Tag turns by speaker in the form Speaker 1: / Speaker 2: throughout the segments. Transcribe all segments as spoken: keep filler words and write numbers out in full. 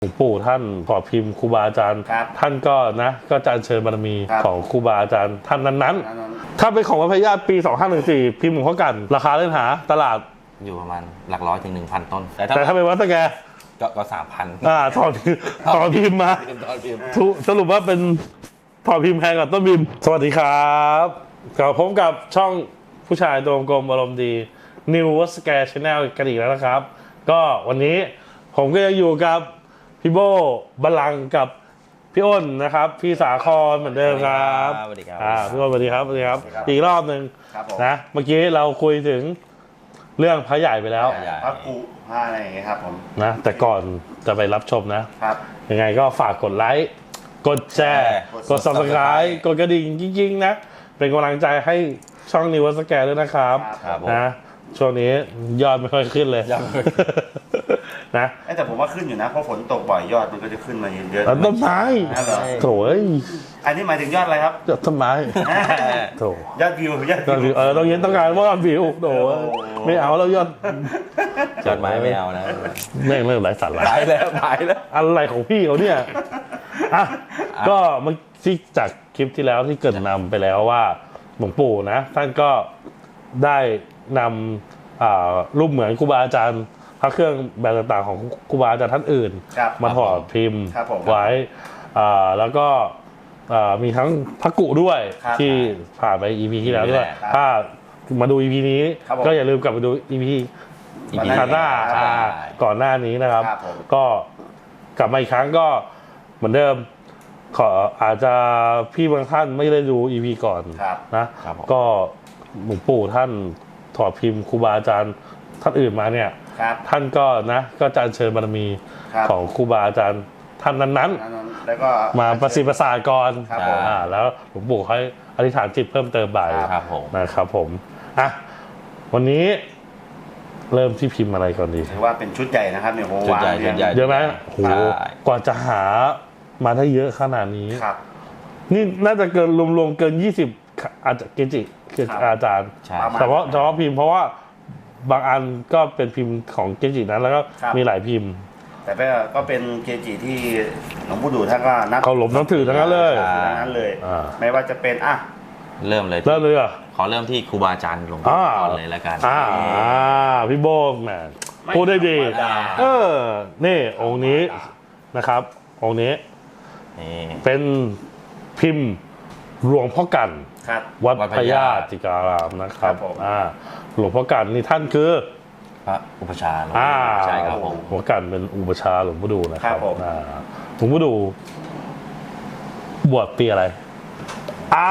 Speaker 1: หลวงปู่ท่านขอพิมพ์ครูบาอาจารย์ท่านก็นะก็จะเชิญบารมีของครูบาอาจารย์ท่านนั้นๆถ้าเป็นของวัดพญาปีสองห้าหนึ่งสี่พิมพ์หลวงพ่อกันราคาเล่นหาตลาด
Speaker 2: อยู่ประมาณหลักร้อยถึงหนึ่งพันต้น
Speaker 1: แต่ถ้าเป็นวัดตะแก
Speaker 2: ก็ก็สามพัน
Speaker 1: อ่าถอดถอดพิมพ์มาสรุปว่าเป็นถอดพิมพ์แพงกว่าต้นพิมพ์สวัสดีครับกลับพบกับช่องผู้ชายตัวกลมอารมณ์ดี New World Scare Channel กันอีกแล้วนะครับก็วันนี้ผมก็ยังอยู่กับพี่โบบัลลังก์กับพี่อ้นนะครับพี่สาครเหมือนเดิมครับ
Speaker 2: สวัสดีครับ
Speaker 1: อ่าพี่อ้นสวัสดีครับสวัสดีครับอีกรอบหนึ่งนะเมื่อกี้เราคุยถึงเรื่องพระใหญ่ไปแล้ว
Speaker 3: พระกุพระอะไรอย่างเงี้ยครับผม
Speaker 1: นะแต่ก่อนจะไปรับชมนะครับยังไงก็ฝากกดไลค์กดแชร์กด ซับสไครบ์ กดกระดิ่งจริงๆนะเป็นกำลังใจให้ช่อง New World Scare ด้วยนะครับนะช่วงนี้ยอดไม่ค่อยขึ้นเลยนะ
Speaker 3: แต่ผมว่าขึ้นอยู่นะเพราะฝนตกบ่อยยอดมันก็จะขึ้นมาเยอะ
Speaker 1: ต้นไม้โถ่
Speaker 3: อันนี้หมายถึงยอดอะไรครับ
Speaker 1: ยอดต้นไม้โถ่
Speaker 3: ยอดวิวยอด
Speaker 1: วิวเออต้องเย็นต้องการว่ายอดวิวโถ่ไม่เอาแล้วยอด
Speaker 2: ยอดไม้ไม่เอานะ
Speaker 1: แม่งเริ่มหลายสาระ
Speaker 2: หายแล้วหายแล้ว
Speaker 1: อะไรของพี่เขาเนี่ยอ่ะก็เมื่อที่จากคลิปที่แล้วที่เกิดนำไปแล้วว่าหลวงปู่นะท่านก็ได้นำรูปเหมือนครูบาอาจารย์พระเครื่องแบบต่างๆของครูบาอาจารย์ท่านอื่นมาถอดพิมพ์ไว้แล้วก็มีทั้งพระกุด้วยที่ผ่านไป อี พี ที่แล้วด้วยถ้ามาดู อี พี นี้ก็อย่าลืมกลับไปดู อี พี อี พี หน้าก่อนหน้านี้นะครับก็กลับมาอีกครั้งก็เหมือนเดิมขออาจจะพี่บางท่านไม่ได้ดู อี พี ก่อนนะก็หลวงปู่ท่านถอดพิมพ์ครูบาอาจารย์ท่านอื่นมาเนี่ยท่านก็นะก็จะเชิญบารมีของครูบาอาจารย์ท่านนั้นๆแล้วก็มาประสิทธิ์ประสาทก่อนอ่าแล้วหลวงปู่เขาอธิษฐานจิตเพิ่มเติมบ่ายนะครับผมอ่ะวันนี้เริ่มที่พิมพ์อะไรก่อนดี
Speaker 3: ถือว่าเป็นชุดใหญ่นะครับเนี่ยโห
Speaker 2: ชุดใหญ่
Speaker 1: เยอะไหมโหกว่าจะหามาได้เยอะขนาดนี้นี่น่าจะเกินรวมๆเกินยี่สิบอาจจะเกจิคืออาจารย์แต่ว่าเฉพาะพิมพ์เพราะว่าบางอันก็เป็นพิมพ์ของเกจินั้นแล้วก็มีหลายพิมพ์
Speaker 3: แต่ก็เป็นเกจิที่หลวงปู่ดูท่านก็นับ
Speaker 1: เขาหลบนับถือทั้งนั้นเลย
Speaker 3: ทั้งนั้นเลยไม่ว่าจะเป็นอ่ะ
Speaker 2: เริ่มเลย
Speaker 1: เริ่มเลยอ่ะ
Speaker 2: ขอเริ่มที่ครูบาอาจารย์หลวงปู่ก่อนเลยแล้วกัน
Speaker 1: อ่าพี่โบงแหมพูดได้ดีเออนี่องค์นี้นะครับองค์นี้เป็นพิมพ์หลวงพ่อกันวัดพญาติการามนะครับอ่าหลวงพ่อกันนี่ท่านคือ
Speaker 2: พระอุปชา
Speaker 1: อ่า
Speaker 2: ใช่ครับผม
Speaker 1: หลวงพ่อกันเป็นอุปชาหลวงพ่อดูนะครับอ่าหลวงพ่อดูบวชปีอะไรอ่า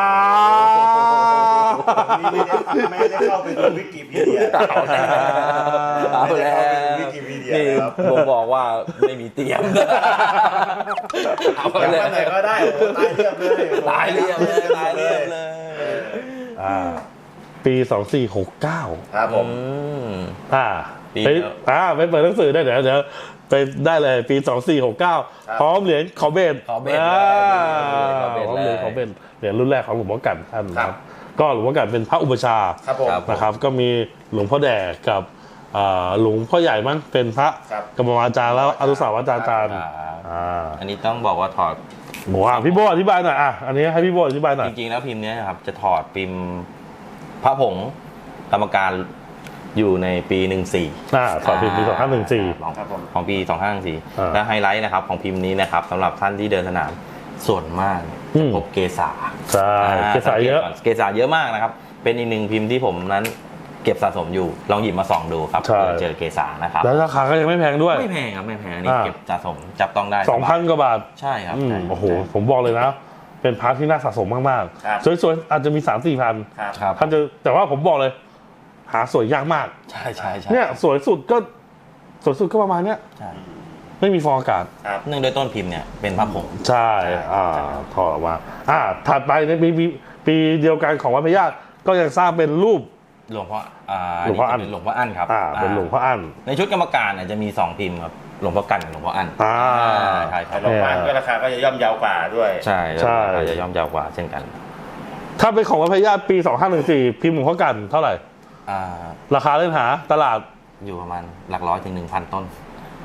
Speaker 3: ไม่ได้เข้าไปดูวิกิพีเดีย
Speaker 2: เอาแล้ว
Speaker 3: วิกิพีเดีย
Speaker 2: นี่ผมบอกว่าไม่มีเตรียม
Speaker 3: เอาไปไหนก็ได้ตายเรียบเลย
Speaker 2: ตายเรียบเลยตายเรียบเลย
Speaker 1: อ่าปีสองสี่หกเก้า
Speaker 3: ครับผม
Speaker 1: อ่าไปอ่าไปเปิดหนังสือได้เดี๋ยวเดี๋ยวไปได้เลยปีสองสี่หกเก้าพร้อมเหรียญขอเบน
Speaker 2: ขอเบน
Speaker 1: พร้อมเหรียญขอเบนเหรียญรุ่นแรกของหลวงพ่อกันท่านนะครับก็หลวงพ่อกันเป็นพระอุปชานะครับก็มีหลวงพ่อแดกกับหลวงพ่อใหญ่มั้งเป็นพระกรรมวาจารย์แล้วอนุสาวาจารย์
Speaker 2: อันนี้ต้องบอกว่าถอด
Speaker 1: หมูอ่ะพี่โบอธิบายหน่อยอ่ะอันนี้ให้พี่โบอธิบายหน่อย
Speaker 2: จริงๆแล้วพิมพ์นี้ครับจะถอดพิมพ์พระผงกรรมการอยู่ในปีหนึ่งสี่
Speaker 1: อ่าถอดพิมพ์ปีสองห้าหนึ่งสี่
Speaker 2: ของปีสองห้าหนึ่งสี่และไฮไลท์นะครับของพิมพ์นี้นะครับสำหรับท่านที่เดินสนามส่วนมากจะพบเกษา
Speaker 1: ใช่เกษาเยอะ
Speaker 2: เกษาเยอะมากนะครับเป็นอีกหนึ่งพิมพ์ที่ผมนั้นเก็บสะสมอยู่ลองหยิบมาส่องดูครับเจอเกษานะครับ
Speaker 1: แล้วราคาก็ยังไม่แพงด้วย
Speaker 2: ไม่แพงครับไม่แพงนี่เก็บสะสมจับต้องได้
Speaker 1: สองพันกว่าบาท
Speaker 2: ใช่ครับ
Speaker 1: โอ้โหผมบอกเลยนะเป็นพาร์ทที่น่าสะสมมากๆสวยๆอาจจะมี สามสี่พันท่านจะแต่ว่าผมบอกเลยหาสวยยากมาก
Speaker 2: ใช่ใช่ใช่
Speaker 1: เนี่ยสวยสุดก็สวยสุดก็ประมาณเนี้ยไม่มีฟองอากาศ
Speaker 2: เนื่องด้วยต้นพิมพ์เนี่ยเป็นพระผง
Speaker 1: ใช่อ่าถอดออกมาอ่าถัดไปในปีปีเดียวกันของวัดพญาติก็ยังสร้างเป็นรูป
Speaker 2: หลวงพ่ออ่าหลวงพ่ออั้นหลวงพ่ออั้นครับ
Speaker 1: อ่าเป็นหลวงพ่ออั้น
Speaker 2: ในชุดกรรมการเนี่ยจะมีสองพิมพ์ครับหลวงพ่อกันกับหลวงพ่ออั้น
Speaker 1: อ่า
Speaker 2: ใช่ครับ
Speaker 3: หลวงพ่ออั้นก็ราคาก็จะย่อมเยาวกว่าด้วย
Speaker 2: ใช่ใช่จะย่อมเยาวกว่าเช่นกัน
Speaker 1: ถ้าเป็นของวัดพญาติปีสองห้าหนึ่งสี่พิมพ์หลวงพ่อกันเท่าไหร่ราคาเล่นหาตลาด
Speaker 2: อยู่ประมาณหลักร้อยถึงหนึ่งพันต้น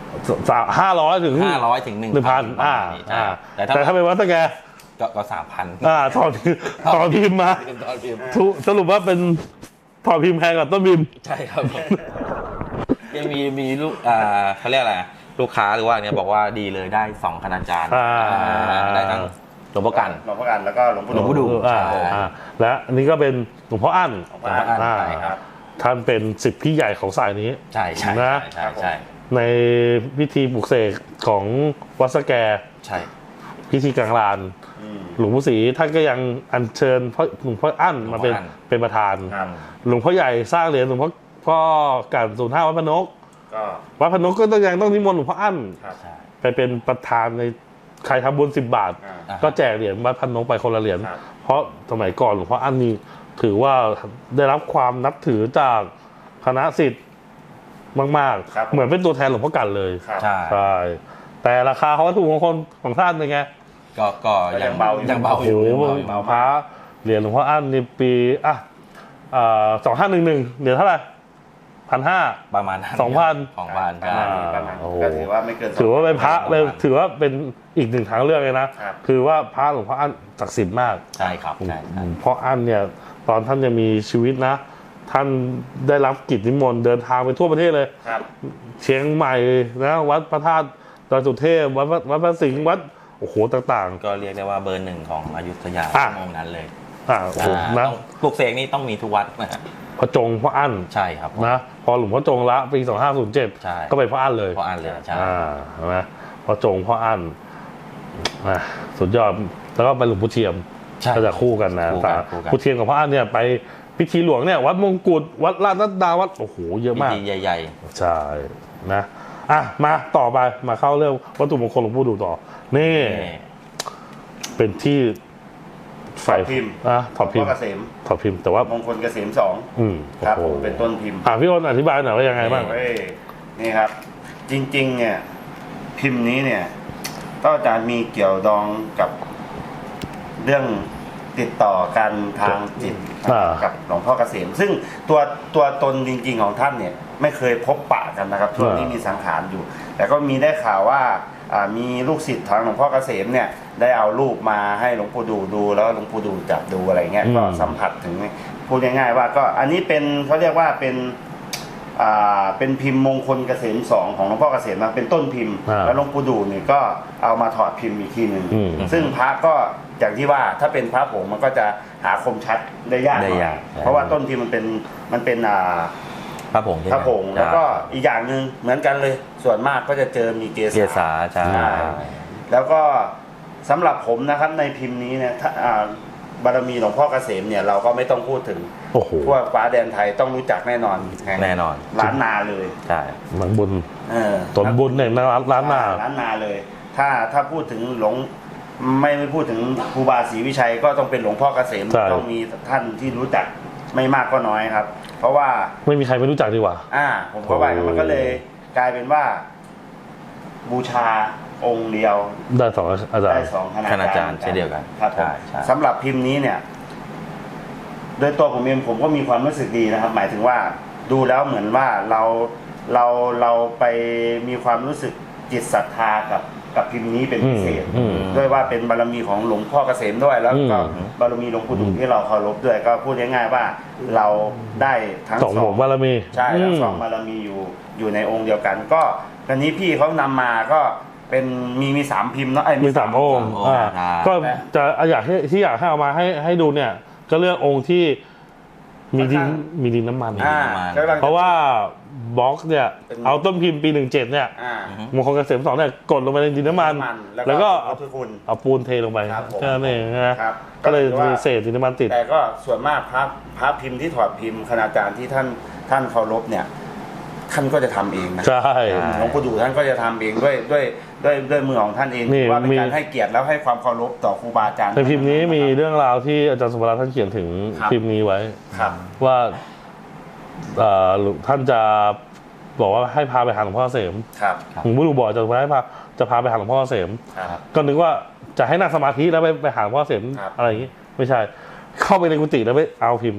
Speaker 1: ห้าร้อยถึง
Speaker 2: ห้าร้อยถึงหนึ่ง
Speaker 1: หนึ่งพันอ่า
Speaker 2: ใช่
Speaker 1: อ่า
Speaker 2: แต่ถ้า
Speaker 1: แต่ถ้าเป็นวัดสแก
Speaker 2: ก็ก็สามพัน
Speaker 1: อ่าถอดถอดพิมพ์มา
Speaker 2: ตอนพิมพ์
Speaker 1: ทุสรุปว่าเป็นถอดพิมพ์แพงกว่าต้นพิมพ์
Speaker 2: ใช่ครับผมยังมีมีลูกอ่าเขาเรียกอะไรลูกค้าหรือว่าเนี่ยบอกว่าดีเลยได้สองคณาจารย์
Speaker 1: อ่า
Speaker 2: ได้ทั้งหลวงพ่อกัน
Speaker 3: หลวงพ่อกันแล้วก็หลวงพ่อ
Speaker 2: หลวงพ่อดู
Speaker 1: อ่า
Speaker 2: ใช่
Speaker 1: อ่าและอันนี้ก็เป็นหลวงพ่ออั้น
Speaker 3: หลวงพ่ออั้น
Speaker 1: อ่า
Speaker 3: ใช่ครับ
Speaker 1: ท่านเป็นสิทธิพี่ใหญ่ของสายนี้
Speaker 2: ใช่ใช่
Speaker 1: นะ
Speaker 2: ใช่ใช่
Speaker 1: ในพิธีปลุกเสกของวัดสแก
Speaker 2: ใช่
Speaker 1: พิธีกลางลาน
Speaker 3: อืม
Speaker 1: หลวงพ่อศรีท่านก็ยังอัญเชิญพ่อหลวงพ่ออั้นมาเป็นเป็นประธาน
Speaker 3: ครับ
Speaker 1: หลวงพ่อใหญ่สร้างเหรียญหลวงพ่อพ่อการศูนย์ห้าวัดพระนก
Speaker 3: ก็
Speaker 1: วัดพระนกก็ต้องยังต้องนิมนต์หลวงพ่ออั้น
Speaker 3: ครับ
Speaker 2: ใช่
Speaker 1: ไปเป็นประธานในใครทำบุญสิบบาท
Speaker 3: อ่า
Speaker 2: อ่า
Speaker 1: ก็แจกเหรียญวัดพระนกไปคนละเหรียญ
Speaker 3: ครับ
Speaker 1: เพราะสมัยก่อนหลวงพ่ออั้นนี่ถือว่าได้รับความนับถือจากคณะศิษย์มาก
Speaker 3: ครับ
Speaker 1: ๆ เหมือนเป็นตัวแทนหลวงพ่อกันเลย
Speaker 3: ครับ
Speaker 2: ใช่
Speaker 1: ใช่แต่ราคาเขาวัตถุมงคลของท่านเป็นไง
Speaker 2: ก็ก็
Speaker 3: ก็ยังเบาอยู่
Speaker 2: ยังเบา
Speaker 1: โอ้
Speaker 2: อ
Speaker 1: โห
Speaker 2: ยู่ยังเบาอยู่
Speaker 1: พระเหรียญหลวงพ่ออั้นในปีอ่ะสองห้าหนึ่งหนึ่งเหรียญเท่าไหร่พันห้า
Speaker 2: ประมาณนั้น
Speaker 1: สองพัน
Speaker 2: สองพัน
Speaker 3: ประ
Speaker 2: ใช่
Speaker 3: มาณนี้ประมาณ
Speaker 1: โอ้โห
Speaker 3: ก็ถือว่าไม่เกิน
Speaker 1: ถือว่าเป็นพระ
Speaker 2: สองพัน
Speaker 1: เป็นถือว่าเป็นอีกหนึ่งทางเลือกเลยนะ
Speaker 3: ครับ
Speaker 1: คือว่าพระหลวงพ่ออั้นศักดิ์สิทธิ์มาก
Speaker 2: ใช่ครับใช่ใช่
Speaker 1: เพราะอั้นเนี่ยตอนท่านยังมีชีวิตนะ ท่านได้รับกิจนิมนต์เดินทางไปทั่วประเทศเลย
Speaker 3: ครับ
Speaker 1: เชียงใหม่นะวัดพระธาตุดอยสุเทพวัดวัดวัดพระสิงห์วัดโอ้โหต่าง
Speaker 2: ก็เรียกได้ว่าเบอร์หนึ่งของอยุธยา
Speaker 1: อ่ะ
Speaker 2: ชั่วโมงนั้นเลย
Speaker 1: ๆอ่าโอ้โห
Speaker 2: อ่า
Speaker 1: นะ
Speaker 2: ต้องปลุกเสกนี่ต้องมีทุกวัดนะฮะ
Speaker 1: พระจงพ่ออั้น
Speaker 2: ใช่ครับ
Speaker 1: นะพอหลวงพ่อจงละปีสองห้าศูนย์เจ็ด
Speaker 2: ใช่
Speaker 1: ก็เป็นพ่ออั้นเลย
Speaker 2: เพราะอ่านเลยใช่
Speaker 1: อ่าใช่ไหมพ่อจงพ่ออั้นอ่ะสุดยอดแล้วก็ไปหลวงพ่อเทียม
Speaker 2: ใช่
Speaker 1: ก็จะคู่กันนะ
Speaker 2: คู่กันคู่กัน
Speaker 1: พ่อเทียมกับพ่ออั้นเนี่ยไปพิธีหลวงเนี่ยวัดมงกุฎวัดราชนัดดาวัดโอ้โหเยอะมาก
Speaker 2: พิธีใหญ่
Speaker 1: ใช่นะอ่ะมาต่อไปมาเข้าเรื่องวัตถุมงคลหลวงพ่อดูต่อ นี่
Speaker 2: ๆนี่
Speaker 1: เป็นที่ใส่
Speaker 3: ถอดพิมพ์
Speaker 1: อ่ะถอดพิม
Speaker 3: หลวงพ่
Speaker 1: พ์
Speaker 3: อเกษม
Speaker 1: ถอดพิมพ์แต่ว่า
Speaker 3: มงคลเกษมสอง
Speaker 1: อืม
Speaker 3: ครับ
Speaker 1: โอ้
Speaker 3: ผ
Speaker 1: โห
Speaker 3: มเป็นต้นพิมพ์
Speaker 1: อ่ะพี่อ้นอธิบายหน่อยว่ายังไงบ้าง
Speaker 3: เว้ยนี่ครับ จริง ๆ เนี่ย พิมพ์นี้เนี่ยก็จะมีเกี่ยวดองกับเรื่องติดต่อกันทางจิต
Speaker 1: อ่า
Speaker 3: กับหลวงพ่อเกษม ซึ่งตัวตัวตนจริง ๆ ของท่านเนี่ย ไม่เคยพบปะกันนะครับช่วงนี้มีสังขารอยู่ แต่ก็มีได้ข่าวว่าอ่ามีลูกศิษย์ทางหลวงพ่อเกษมเนี่ยได้เอารูปมาให้หลวงปู่ดูดูแล้วหลวงปู่ดูจับดูอะไรเงี้ย
Speaker 1: อืม
Speaker 3: ก็สัมผัสถึงพูดง่ายๆว่าก็อันนี้เป็นเขาเรียกว่าเป็นอ่าเป็นพิมพ์มงคลเกษมสองของหลวงพ่อเกษมนะเป็นต้นพิมพ์
Speaker 1: อ่า
Speaker 3: แล้วหลวงปู่ดูเนี่ยก็เอามาถอดพิมพ์อีกทีหนึ่ง
Speaker 1: อืม
Speaker 3: ซึ่งพระก็อย่างที่ว่าถ้าเป็นพระผงมันก็จะหาคมชัดได้ยากห
Speaker 2: ได้
Speaker 3: น่อย
Speaker 2: ยาก
Speaker 3: เพราะว่าต้นพิมพ์มันเป็นมันเป็นอ่า
Speaker 2: พระผงใช่ไห
Speaker 3: พ
Speaker 2: ม
Speaker 3: ระผงแล้วก็อีกอย่างหนึ่งเหมือนกันเลย ส่วนมากก็จะเจอมีเก
Speaker 2: เก
Speaker 3: สา
Speaker 2: ษาใช่
Speaker 3: ใช่ แล้วก็สำหรับผมนะครับในพิมพ์นี้เนี่ยถ้าอ่าบารมีหลวงพ่อเกษมเนี่ยเราก็ไม่ต้องพูดถึง
Speaker 1: โอ้โห
Speaker 3: ทั่วฟ้าแดนไทยต้องรู้จักแน่นอนห่ง
Speaker 2: แน่นอน
Speaker 3: ล้านนาเลย
Speaker 2: ใช่
Speaker 1: หลังบุญ
Speaker 3: เออ
Speaker 1: ตนบุญเนี่ยนะร้านหน้า
Speaker 3: ล้านนาเลย ถ้าถ้าพูดถึงหลวงไม่ไม่พูดถึงครูบาศรีวิชัยก็ต้องเป็นหลวงพ่อเกษม
Speaker 1: ใช่
Speaker 3: ต้องมีท่านที่รู้จักไม่มากก็น้อยครับ เพราะว่า
Speaker 1: ไม่มีใครไม่รู้จักดีกว่า
Speaker 3: อ่า ผมก็ว่ามันก็เลยกลายเป็นว่า บูชาองค์เดียว
Speaker 1: ได้สองอาจาร
Speaker 3: ได้
Speaker 1: ย์
Speaker 3: สองคณา
Speaker 2: คณา
Speaker 3: จา
Speaker 2: จาร รย์
Speaker 3: ย์
Speaker 2: เช่นเดียวกัน
Speaker 3: ครับผม
Speaker 2: ใช่ใช่
Speaker 3: สำหรับพิมพ์นี้เนี่ย โดยตัวผมเองผมก็มีความรู้สึกดีนะครับ หมายถึงว่าดูแล้วเหมือนว่าเราเราเราไปมีความรู้สึกจิตศรัทธากับกับพิมพ์นี้เป็นพิเศษ
Speaker 1: อืม
Speaker 3: ด้วยว่าเป็นบารมีของหลวงพ่อเกษมด้วย แล้วก็
Speaker 1: อืม
Speaker 3: บารมีหลวงปู่ดุที่เราเคารพด้วย ก็พูดง่ายๆว่าเราได้ทั้ง
Speaker 1: สอง
Speaker 3: ส
Speaker 1: ห
Speaker 3: อ
Speaker 1: ม
Speaker 3: ง
Speaker 1: บารมี
Speaker 3: ใช่ทั้งสอง
Speaker 1: ม
Speaker 3: บารมีอยู่อยู่ในองค์เดียวกัน ก็ตอนนี้พี่เขานำมาก็เป็นมีมีสามพิมพ์เนาะไอ้ย
Speaker 1: มีสามองค์
Speaker 2: สามองค์
Speaker 1: อ่า
Speaker 2: ใช่
Speaker 1: ก็จะอยากให้ที่อยากให้เอามาให้ให้ดูเนี่ย ก็เลือกองค์ที่มีดินมีดินน้ำมัน
Speaker 3: อ่า
Speaker 2: ประมาณ
Speaker 3: กำลังจ
Speaker 1: เพราะว่าบล็อกเนี่ย
Speaker 3: เป็น
Speaker 1: เอาต้นพิมพ์ปีหนึ่งเจ็ดเนี่ย
Speaker 3: อ่า
Speaker 1: มงคลเกษมสองเนี่ยกดลงไปในดินน้ำมัน
Speaker 3: น้ำมัน
Speaker 1: แล้
Speaker 3: แล้ว ว
Speaker 1: ก็
Speaker 3: ก็
Speaker 1: เอา
Speaker 3: พุทธคุณ
Speaker 1: เอาปูนเทลงไป
Speaker 3: ครับผม
Speaker 1: แค่นั้นเองนะครับ ก็เลย
Speaker 3: ก็คือว่า
Speaker 1: มีเศษดินน้ำมันติด
Speaker 3: แต่ก็ส่วนมากพระพระพิมพ์ที่ถอดพิมพ์คณาจารย์ที่ท่านท่านเคารพเนี่ย ท่านก็จะทำเองนะ
Speaker 1: ใช่
Speaker 3: หลวงปู่ดูท่านก็จะทำเองด้วยด้วยด้วยด้วยมือของท่านเอง
Speaker 1: นี่
Speaker 3: ว่าเป็น
Speaker 1: มี
Speaker 3: การให้เกียรติแล้วให้ความเคารพต่อครูบาอาจารย์
Speaker 1: ในพิมพ์นี้มีเรื่องราวที่อาจารย์สุภาท่านเขียนถึง
Speaker 3: ครับ
Speaker 1: พิมพ์นี้ไว้
Speaker 3: ครับ
Speaker 1: ว่าเอ่อท่านจะบอกว่าให้พาไปหาหลวงพ่อเกษม
Speaker 3: ครับ
Speaker 1: หลวงพ่อดูบอกจะให้พาจะพาไปหาหลวงพ่อเกษม
Speaker 3: ครับ
Speaker 1: ก็นึกว่าจะให้นั่งสมาธิแล้วไปไปหาหลวงพ่อเกษม
Speaker 3: ครับ
Speaker 1: อะไรอย่างนี้ไม่ใช่ เข้าไปในกุฏิแล้วไปเอาพิมพ์นี้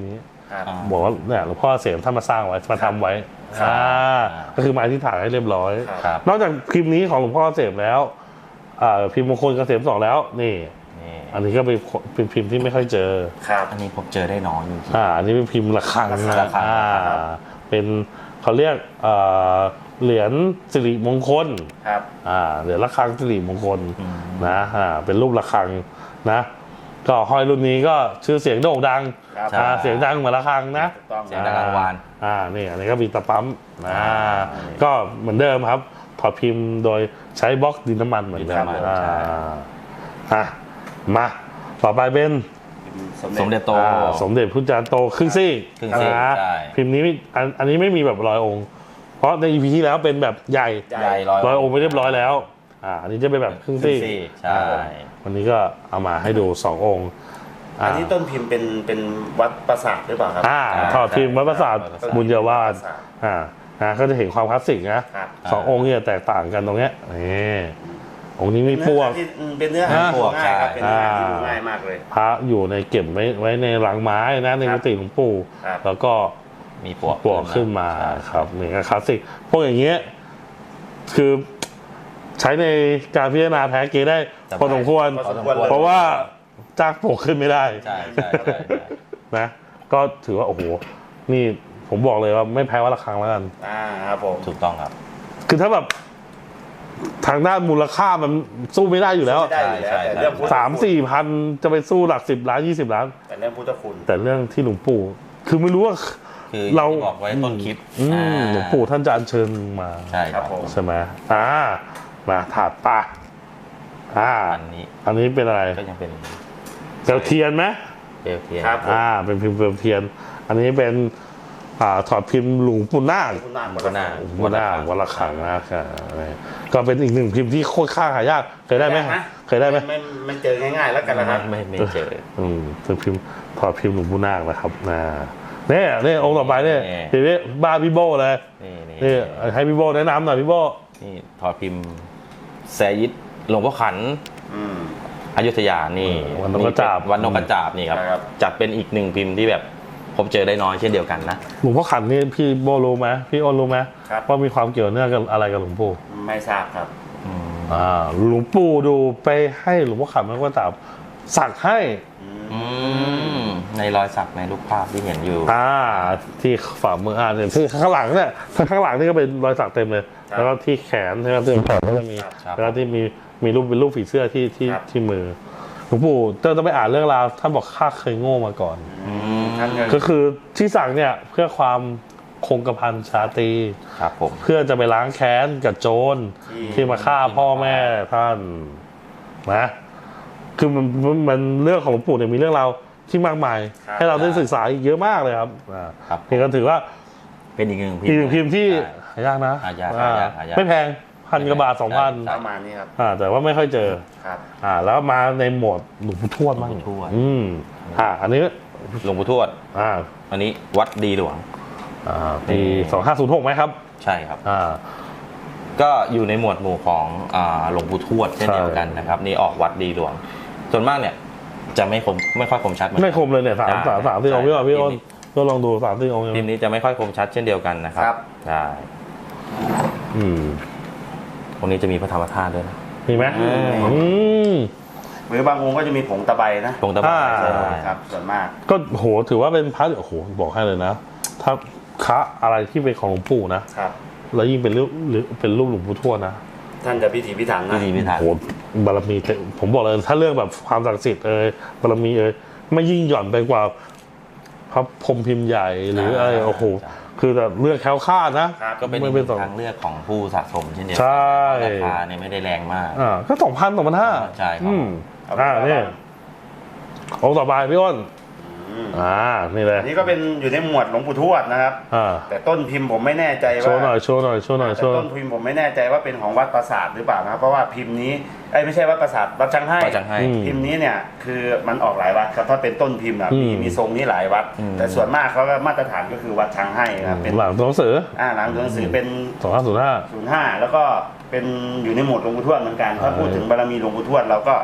Speaker 3: ครับ
Speaker 2: อ่า
Speaker 1: บอกว่าเนี่ยหลวงพ่อเกษมท่านมาสร้างไว้มาทำไว้
Speaker 3: ครับ
Speaker 1: อ่าก็คือมาที่ถ่ายให้เรียบร้อย
Speaker 2: ครับ
Speaker 1: นอกจากพิมพ์นี้ของหลวงพ่อเกษมแล้วอ่าพิมพ์มงคลเกษมสองแล้วนี่
Speaker 2: นี่
Speaker 1: อันนี้ก็เป็นเป็นพิมพ์ที่ไม่ค่อยเจอ
Speaker 3: ครับ
Speaker 2: อันนี้ผมเจอได้น้อยจริง
Speaker 1: อ่าอันนี้เป็นพิมพ์ระฆัง
Speaker 3: ระฆัง
Speaker 1: นะอ่าเป็นเขาเรียกอ่าเหรียญสิริมงคล
Speaker 3: ครับ
Speaker 1: อ่าเหรียญระฆังสิริมงคล
Speaker 2: ๆอืม
Speaker 1: นะอ่าเป็นรูประฆังนะก็ห้อยรุ่นนี้ก็ชื่อเสียงโด่งดัง
Speaker 3: ครับ
Speaker 1: อ่าเสียงดังเหมือนระฆังนะ
Speaker 3: ถูกต้อง
Speaker 2: เสียงดังกลางวาน
Speaker 1: อ่านี่อันนี้ก็มีตะปั๊มอ่า
Speaker 3: อ่า
Speaker 1: ก็เหมือนเดิมครับถอดพิมพ์โดยใช้บล็อกดินน้ำมันเหมือนเดิม
Speaker 2: ดินน้ำมัน
Speaker 1: อ่า
Speaker 2: ใช่
Speaker 1: อ่ะมาต่อไปเป็น
Speaker 2: สมเด็จโต
Speaker 1: อ่าสมเด็จพุทธจารย์โตครึ่งซี่
Speaker 2: ครึ่งซี่
Speaker 1: นะ
Speaker 2: ใช่
Speaker 1: พิมพ์นี้ไม่อันอันนี้ไม่มีแบบร้อยองค์ เพราะใน อี พี ที่แล้วเป็นแบบใหญ่
Speaker 2: ใหญ่ร้อย
Speaker 1: ร้อยองค์ไปเรียบร้อยแล้วอ่าอันนี้จะเป็นแบบครึ่งซี่
Speaker 2: ครึ่งซี่ใช่
Speaker 1: อ่าวันนี้ก็เอามาให้ดูสององค์
Speaker 3: อันนี้ต้นพิมพ์เป็นเป็นวัดปราสาทหรือเปล่าครับ
Speaker 1: อ่าถอดพิมพ์วัดประสาท
Speaker 2: วัดประสาท
Speaker 1: บุญเยาวาส
Speaker 3: วัดประสาท
Speaker 1: อ่านะก็จะเห็นความคลาสสิกนะครับ สององค์เนี่ยแตกต่างกันตรงเนี้ยนี่องค์นี้มีปวก
Speaker 3: ที่เป็นเนื้อหา
Speaker 1: อ่า
Speaker 3: ที่ดูง่ายครับเป็นเนื้อหาที่
Speaker 1: อ่า
Speaker 3: ดูง่ายมากเลย
Speaker 1: พระอยู่ในเก็บไว้ไว้ในหลังไม้นะใน
Speaker 3: ครั
Speaker 1: กุ
Speaker 3: บ
Speaker 1: ฏิหลวงปู่
Speaker 3: ครับ
Speaker 1: แล้วก็
Speaker 2: มีปลวก
Speaker 1: ปลวกขึ้นมา
Speaker 2: ใช่
Speaker 1: ครับนี่ก็คลาสสิกพวกอย่างเงี้ยคือใช้ในการพิจารณาแพ้เกได้
Speaker 2: แต่
Speaker 1: พอสมควร
Speaker 3: พอสมควรเลย
Speaker 1: เพราะว่าจ้างปลวกขึ้นไม่ได้
Speaker 2: ใช่ใช่ใช่ใช่
Speaker 1: นะก็ถือว่าโอ้โหนี่ผมบอกเลยว่าไม่แพ้วัดระฆังแล้วกัน
Speaker 3: อ่าครับผม
Speaker 2: ถูกต้องครับ
Speaker 1: คือถ้าแบบทางด้านมูลค่ามันสู้ไม่ได้อยู่แล้ว
Speaker 3: ไม่ได้อยู่แล้ว
Speaker 2: ใช่
Speaker 3: แต่
Speaker 2: ใช่
Speaker 3: เรื่องพุทธ
Speaker 1: สามสี่พันจะไปสู้หลักสิบล้านยี่สิบล้าน
Speaker 3: แต่เรื่องพุทธคุณ
Speaker 1: แต่เรื่องที่หลวงปู่ คือไม่รู้ว่า
Speaker 2: คือ
Speaker 1: เรา
Speaker 2: ที่บอกไว้ต้นคลิป
Speaker 1: อืม
Speaker 2: อ่า
Speaker 1: หลวงปู่ท่านจะอัญเชิญมา
Speaker 2: ใช่ค
Speaker 3: ครั
Speaker 2: รับบ
Speaker 3: ผม
Speaker 1: ใช่ไหมอ่ามาถาดปะอ่า
Speaker 2: อันนี้
Speaker 1: อันนี้เป็นอะไร
Speaker 2: ก็ยังเป็น
Speaker 1: เปลวเทียนไหม
Speaker 2: เปลวเทียน
Speaker 3: ครับ
Speaker 1: อ่า เป็นพิมพ์เปลวเทียน อันนี้เป็นอ่าถอดพิมพ์หลวงปู่นาค
Speaker 3: คุณนาง
Speaker 2: ก็น่า
Speaker 1: หลวงปู่นาควัดระฆังนะครับก็เป็นอีกหนึ่งพิมพ์ที่โคตรค่าหายากเคยได้ไหมเคยได้ไหม
Speaker 3: ไม่ไม่เจอง่ายๆแล้วกันนะครับ
Speaker 2: ไม่ไม่เจอ
Speaker 1: อืมเป็นพิมพ์ถอดพิมพ์หลวงปู่นาคนะครับนะเนี่ยเนี่ยองค์ต่อไปเนี่ย
Speaker 2: นี่
Speaker 1: ทีนี้บ้าพี่โบเลย
Speaker 2: นี่นี่
Speaker 1: นี่ให้พี่โบแนะนำหน่อยพี่โบ
Speaker 2: นี่ถอดพิมพ์แซยิดหลวงพ่อขัน
Speaker 3: อืม
Speaker 2: อยุธยานี่
Speaker 1: วันนกกระจาบ
Speaker 2: วันนกกระจาบนี่ครับ
Speaker 3: ครับ
Speaker 2: จัดเป็นอีกหนึ่งพิมพ์ที่แบบผมเจอได้น้อยเช่นเดียวกันนะ
Speaker 1: หลวงพ่อขันนี่พี่โบรู้ไหมพี่อ้นรู้ไหม
Speaker 3: ครับ
Speaker 1: ว่ามีความเกี่ยวเนื่องกับอะไรกับหลวงปู่
Speaker 3: ไม่ทราบครับ
Speaker 1: อ่าหลวงปู่ดูไปให้หลวงพ่อขันมันก็จับสักให้
Speaker 2: อืมในรอยสักในรูปภาพที่เห็นอยู่
Speaker 1: อ่าที่ฝ่ามืออ่าเนี่ยที่ข้างหลังเนี่ยข้างหลังนี่ก็เป็นรอยสักเต็มเลย
Speaker 3: ครับ
Speaker 1: แล้วก็ที่แขนใช่ไหมที่แขนก็จะมี
Speaker 2: ครับ
Speaker 1: แล้วก็ที่มีมีรูปเป็นรูปผีเสื้อที่ที่
Speaker 3: ครับ
Speaker 1: ที่มือหลวงปู่เจ้าต้องไปอ่านเรื่องราวท่านบอกข้าเคยโง่มาก่อน
Speaker 3: อืมท่านก็
Speaker 1: ก็คือที่สั่งเนี่ยเพื่อความคงกระพันชาตรี
Speaker 2: ครับผม
Speaker 1: เพื่อจะไปล้างแค้นกับโจรที่มาฆ่าพ่อแม่ท่านนะคือมันมันมันเรื่องของหลวงปู่เนี่ยมีเรื่องราวที่มากมาย
Speaker 3: ครับ
Speaker 1: ให้เราได้ศึกษาอีกเยอะมากเลยครับอ่า
Speaker 2: ครับ
Speaker 1: นี่ก็ถือว่า
Speaker 2: เป็นอีกหนึ่งพิม
Speaker 1: อีก
Speaker 2: พ์
Speaker 1: หนึ่งพิมพ์ที่
Speaker 2: ใช่
Speaker 1: หายากนะ
Speaker 2: หายาก
Speaker 1: อ่
Speaker 2: หายากหายาก
Speaker 1: ไม่แพงพันกว่าบาทสองพัน
Speaker 2: ใช่
Speaker 3: ประมาณนี้ครับ
Speaker 1: อ่าแต่ว่าไม่ค่อยเจอ
Speaker 3: ครับ
Speaker 1: อ่าแล้วมาในโหมดหลวงปู่ทวดบ้าง
Speaker 2: หลวงปู่ทวด
Speaker 1: อืมอ่าอันนี้
Speaker 2: หลวงปู่ทวด
Speaker 1: อ่า
Speaker 2: อันนี้วัดดีหลวง
Speaker 1: อ่าปีสองห้าศูนย์หกไหมครับ
Speaker 2: ใช่ครับ
Speaker 1: อ่า
Speaker 2: ก็อยู่ในหมวดหมู่ของอ่าหลวงปู่ทวดเช่นเดียวกันนะครับ นี่ออกวัดดีหลวง ส่วนมากเนี่ย จะไม่คมไม่ค่อยคมชัดเหมือนกัน
Speaker 1: ไม่คมเลยเนี่ยสาม
Speaker 2: ใช่
Speaker 1: สามสามที่องค์พี่ว่าพี่อ้น
Speaker 2: พิมพ์นี้
Speaker 1: ก็ลองดูสามที่องค์
Speaker 2: พิมพ์นี้จะไม่ค่อยคมชัดเช่นเดียวกันนะครับ
Speaker 3: ครับ
Speaker 2: ใช่
Speaker 1: อืม
Speaker 2: ตรงนี้จะมีพระธรรมธาตุด้วยนะ
Speaker 1: มีไหม
Speaker 2: อืม
Speaker 1: อืม
Speaker 3: หรือบางองค์ก็จะมีผงตะไบนะ
Speaker 2: ตรงตะบะ
Speaker 1: อ่า
Speaker 2: ใช่
Speaker 3: ครับ ส่วนมาก
Speaker 1: ก็โหถือว่าเป็นพระโอ้โหบอกให้เลยนะ ถ้าพระอะไรที่เป็นของหลวงปู่นะครับ แล้วยิ่งเป็นรูปหรือเป็นรูปหลวงปู่ทวดนะ
Speaker 3: ท่านจะพิถีพิถัน
Speaker 2: พิ
Speaker 3: นะ
Speaker 2: ธีพิธัน
Speaker 1: โหบารมีเต็มผมบอกเลยถ้าเรื่องแบบความศักดิ์สิทธิ์เอ่ยบารมีเอ่ยไม่ยิ่งหย่อนไปกว่าพระพรหมพิมพ์ใหญ่หรืออะไรโอ้โหคือแต่เลือกแคล้วคลาดนะครับ
Speaker 2: ก็เป็นอี
Speaker 1: ไม่
Speaker 2: กห
Speaker 1: เป็น
Speaker 2: นึ่ง
Speaker 1: สอง
Speaker 2: ทางเลือกของผู้สะสมเช่นเดียวกั
Speaker 1: ใช่
Speaker 2: ราคาเนี่ยไม่ได้แรงมาก
Speaker 1: อ่าก็สองพันสองพันห้า
Speaker 2: ใช่ครับ
Speaker 1: อืม
Speaker 3: เอา
Speaker 1: อ่า
Speaker 3: ไป
Speaker 1: นี่องค์ต่อไปพี่อ้น
Speaker 3: อืม
Speaker 1: อ่านี่เลย
Speaker 3: อันนี้ก็เป็นอยู่ในหมวดหลวงปู่ทวดนะครับ
Speaker 1: อ่า
Speaker 3: แต่ต้นพิมพ์ผมไม่แน่ใจ
Speaker 1: โช
Speaker 3: ว่า
Speaker 1: ว์หน่อยโชว์หน่อยโชว์หน่อย
Speaker 3: แต่
Speaker 1: โชว์
Speaker 3: ต้นพิมพ์ผมไม่แน่ใจว่าเป็นของวัดปราสาทหรือเปล่านะครับเพราะว่าพิมพ์นี้ไอ้ยไม่ใช่วัดปราสาทวัดจังไห้
Speaker 2: วัดจังไห้
Speaker 1: อืม
Speaker 3: พิมพ์นี้เนี่ยคือมันออกหลายวัดครับถ้าเป็นต้นพิมพ์อะ
Speaker 1: อืม
Speaker 3: มีมีทรงนี้หลายวัด
Speaker 2: อืม
Speaker 3: แต่ส่วนมากเขาก็มาตรฐานก็คือวัดช้างให้ครับเป็น
Speaker 1: หลังตัวหนังสือ
Speaker 3: อ่าหลังตัวหนังสือเป็น
Speaker 1: สองห้าศูนย์ห้า
Speaker 3: ศูนย์ห้าแล้วก็เป็นอยู่ในหมวดหลวงปู่ทวดเหมือนกัน ถ้า
Speaker 1: อ่า
Speaker 3: พูดถึงบารมีหลวงปู่ทวดเราก็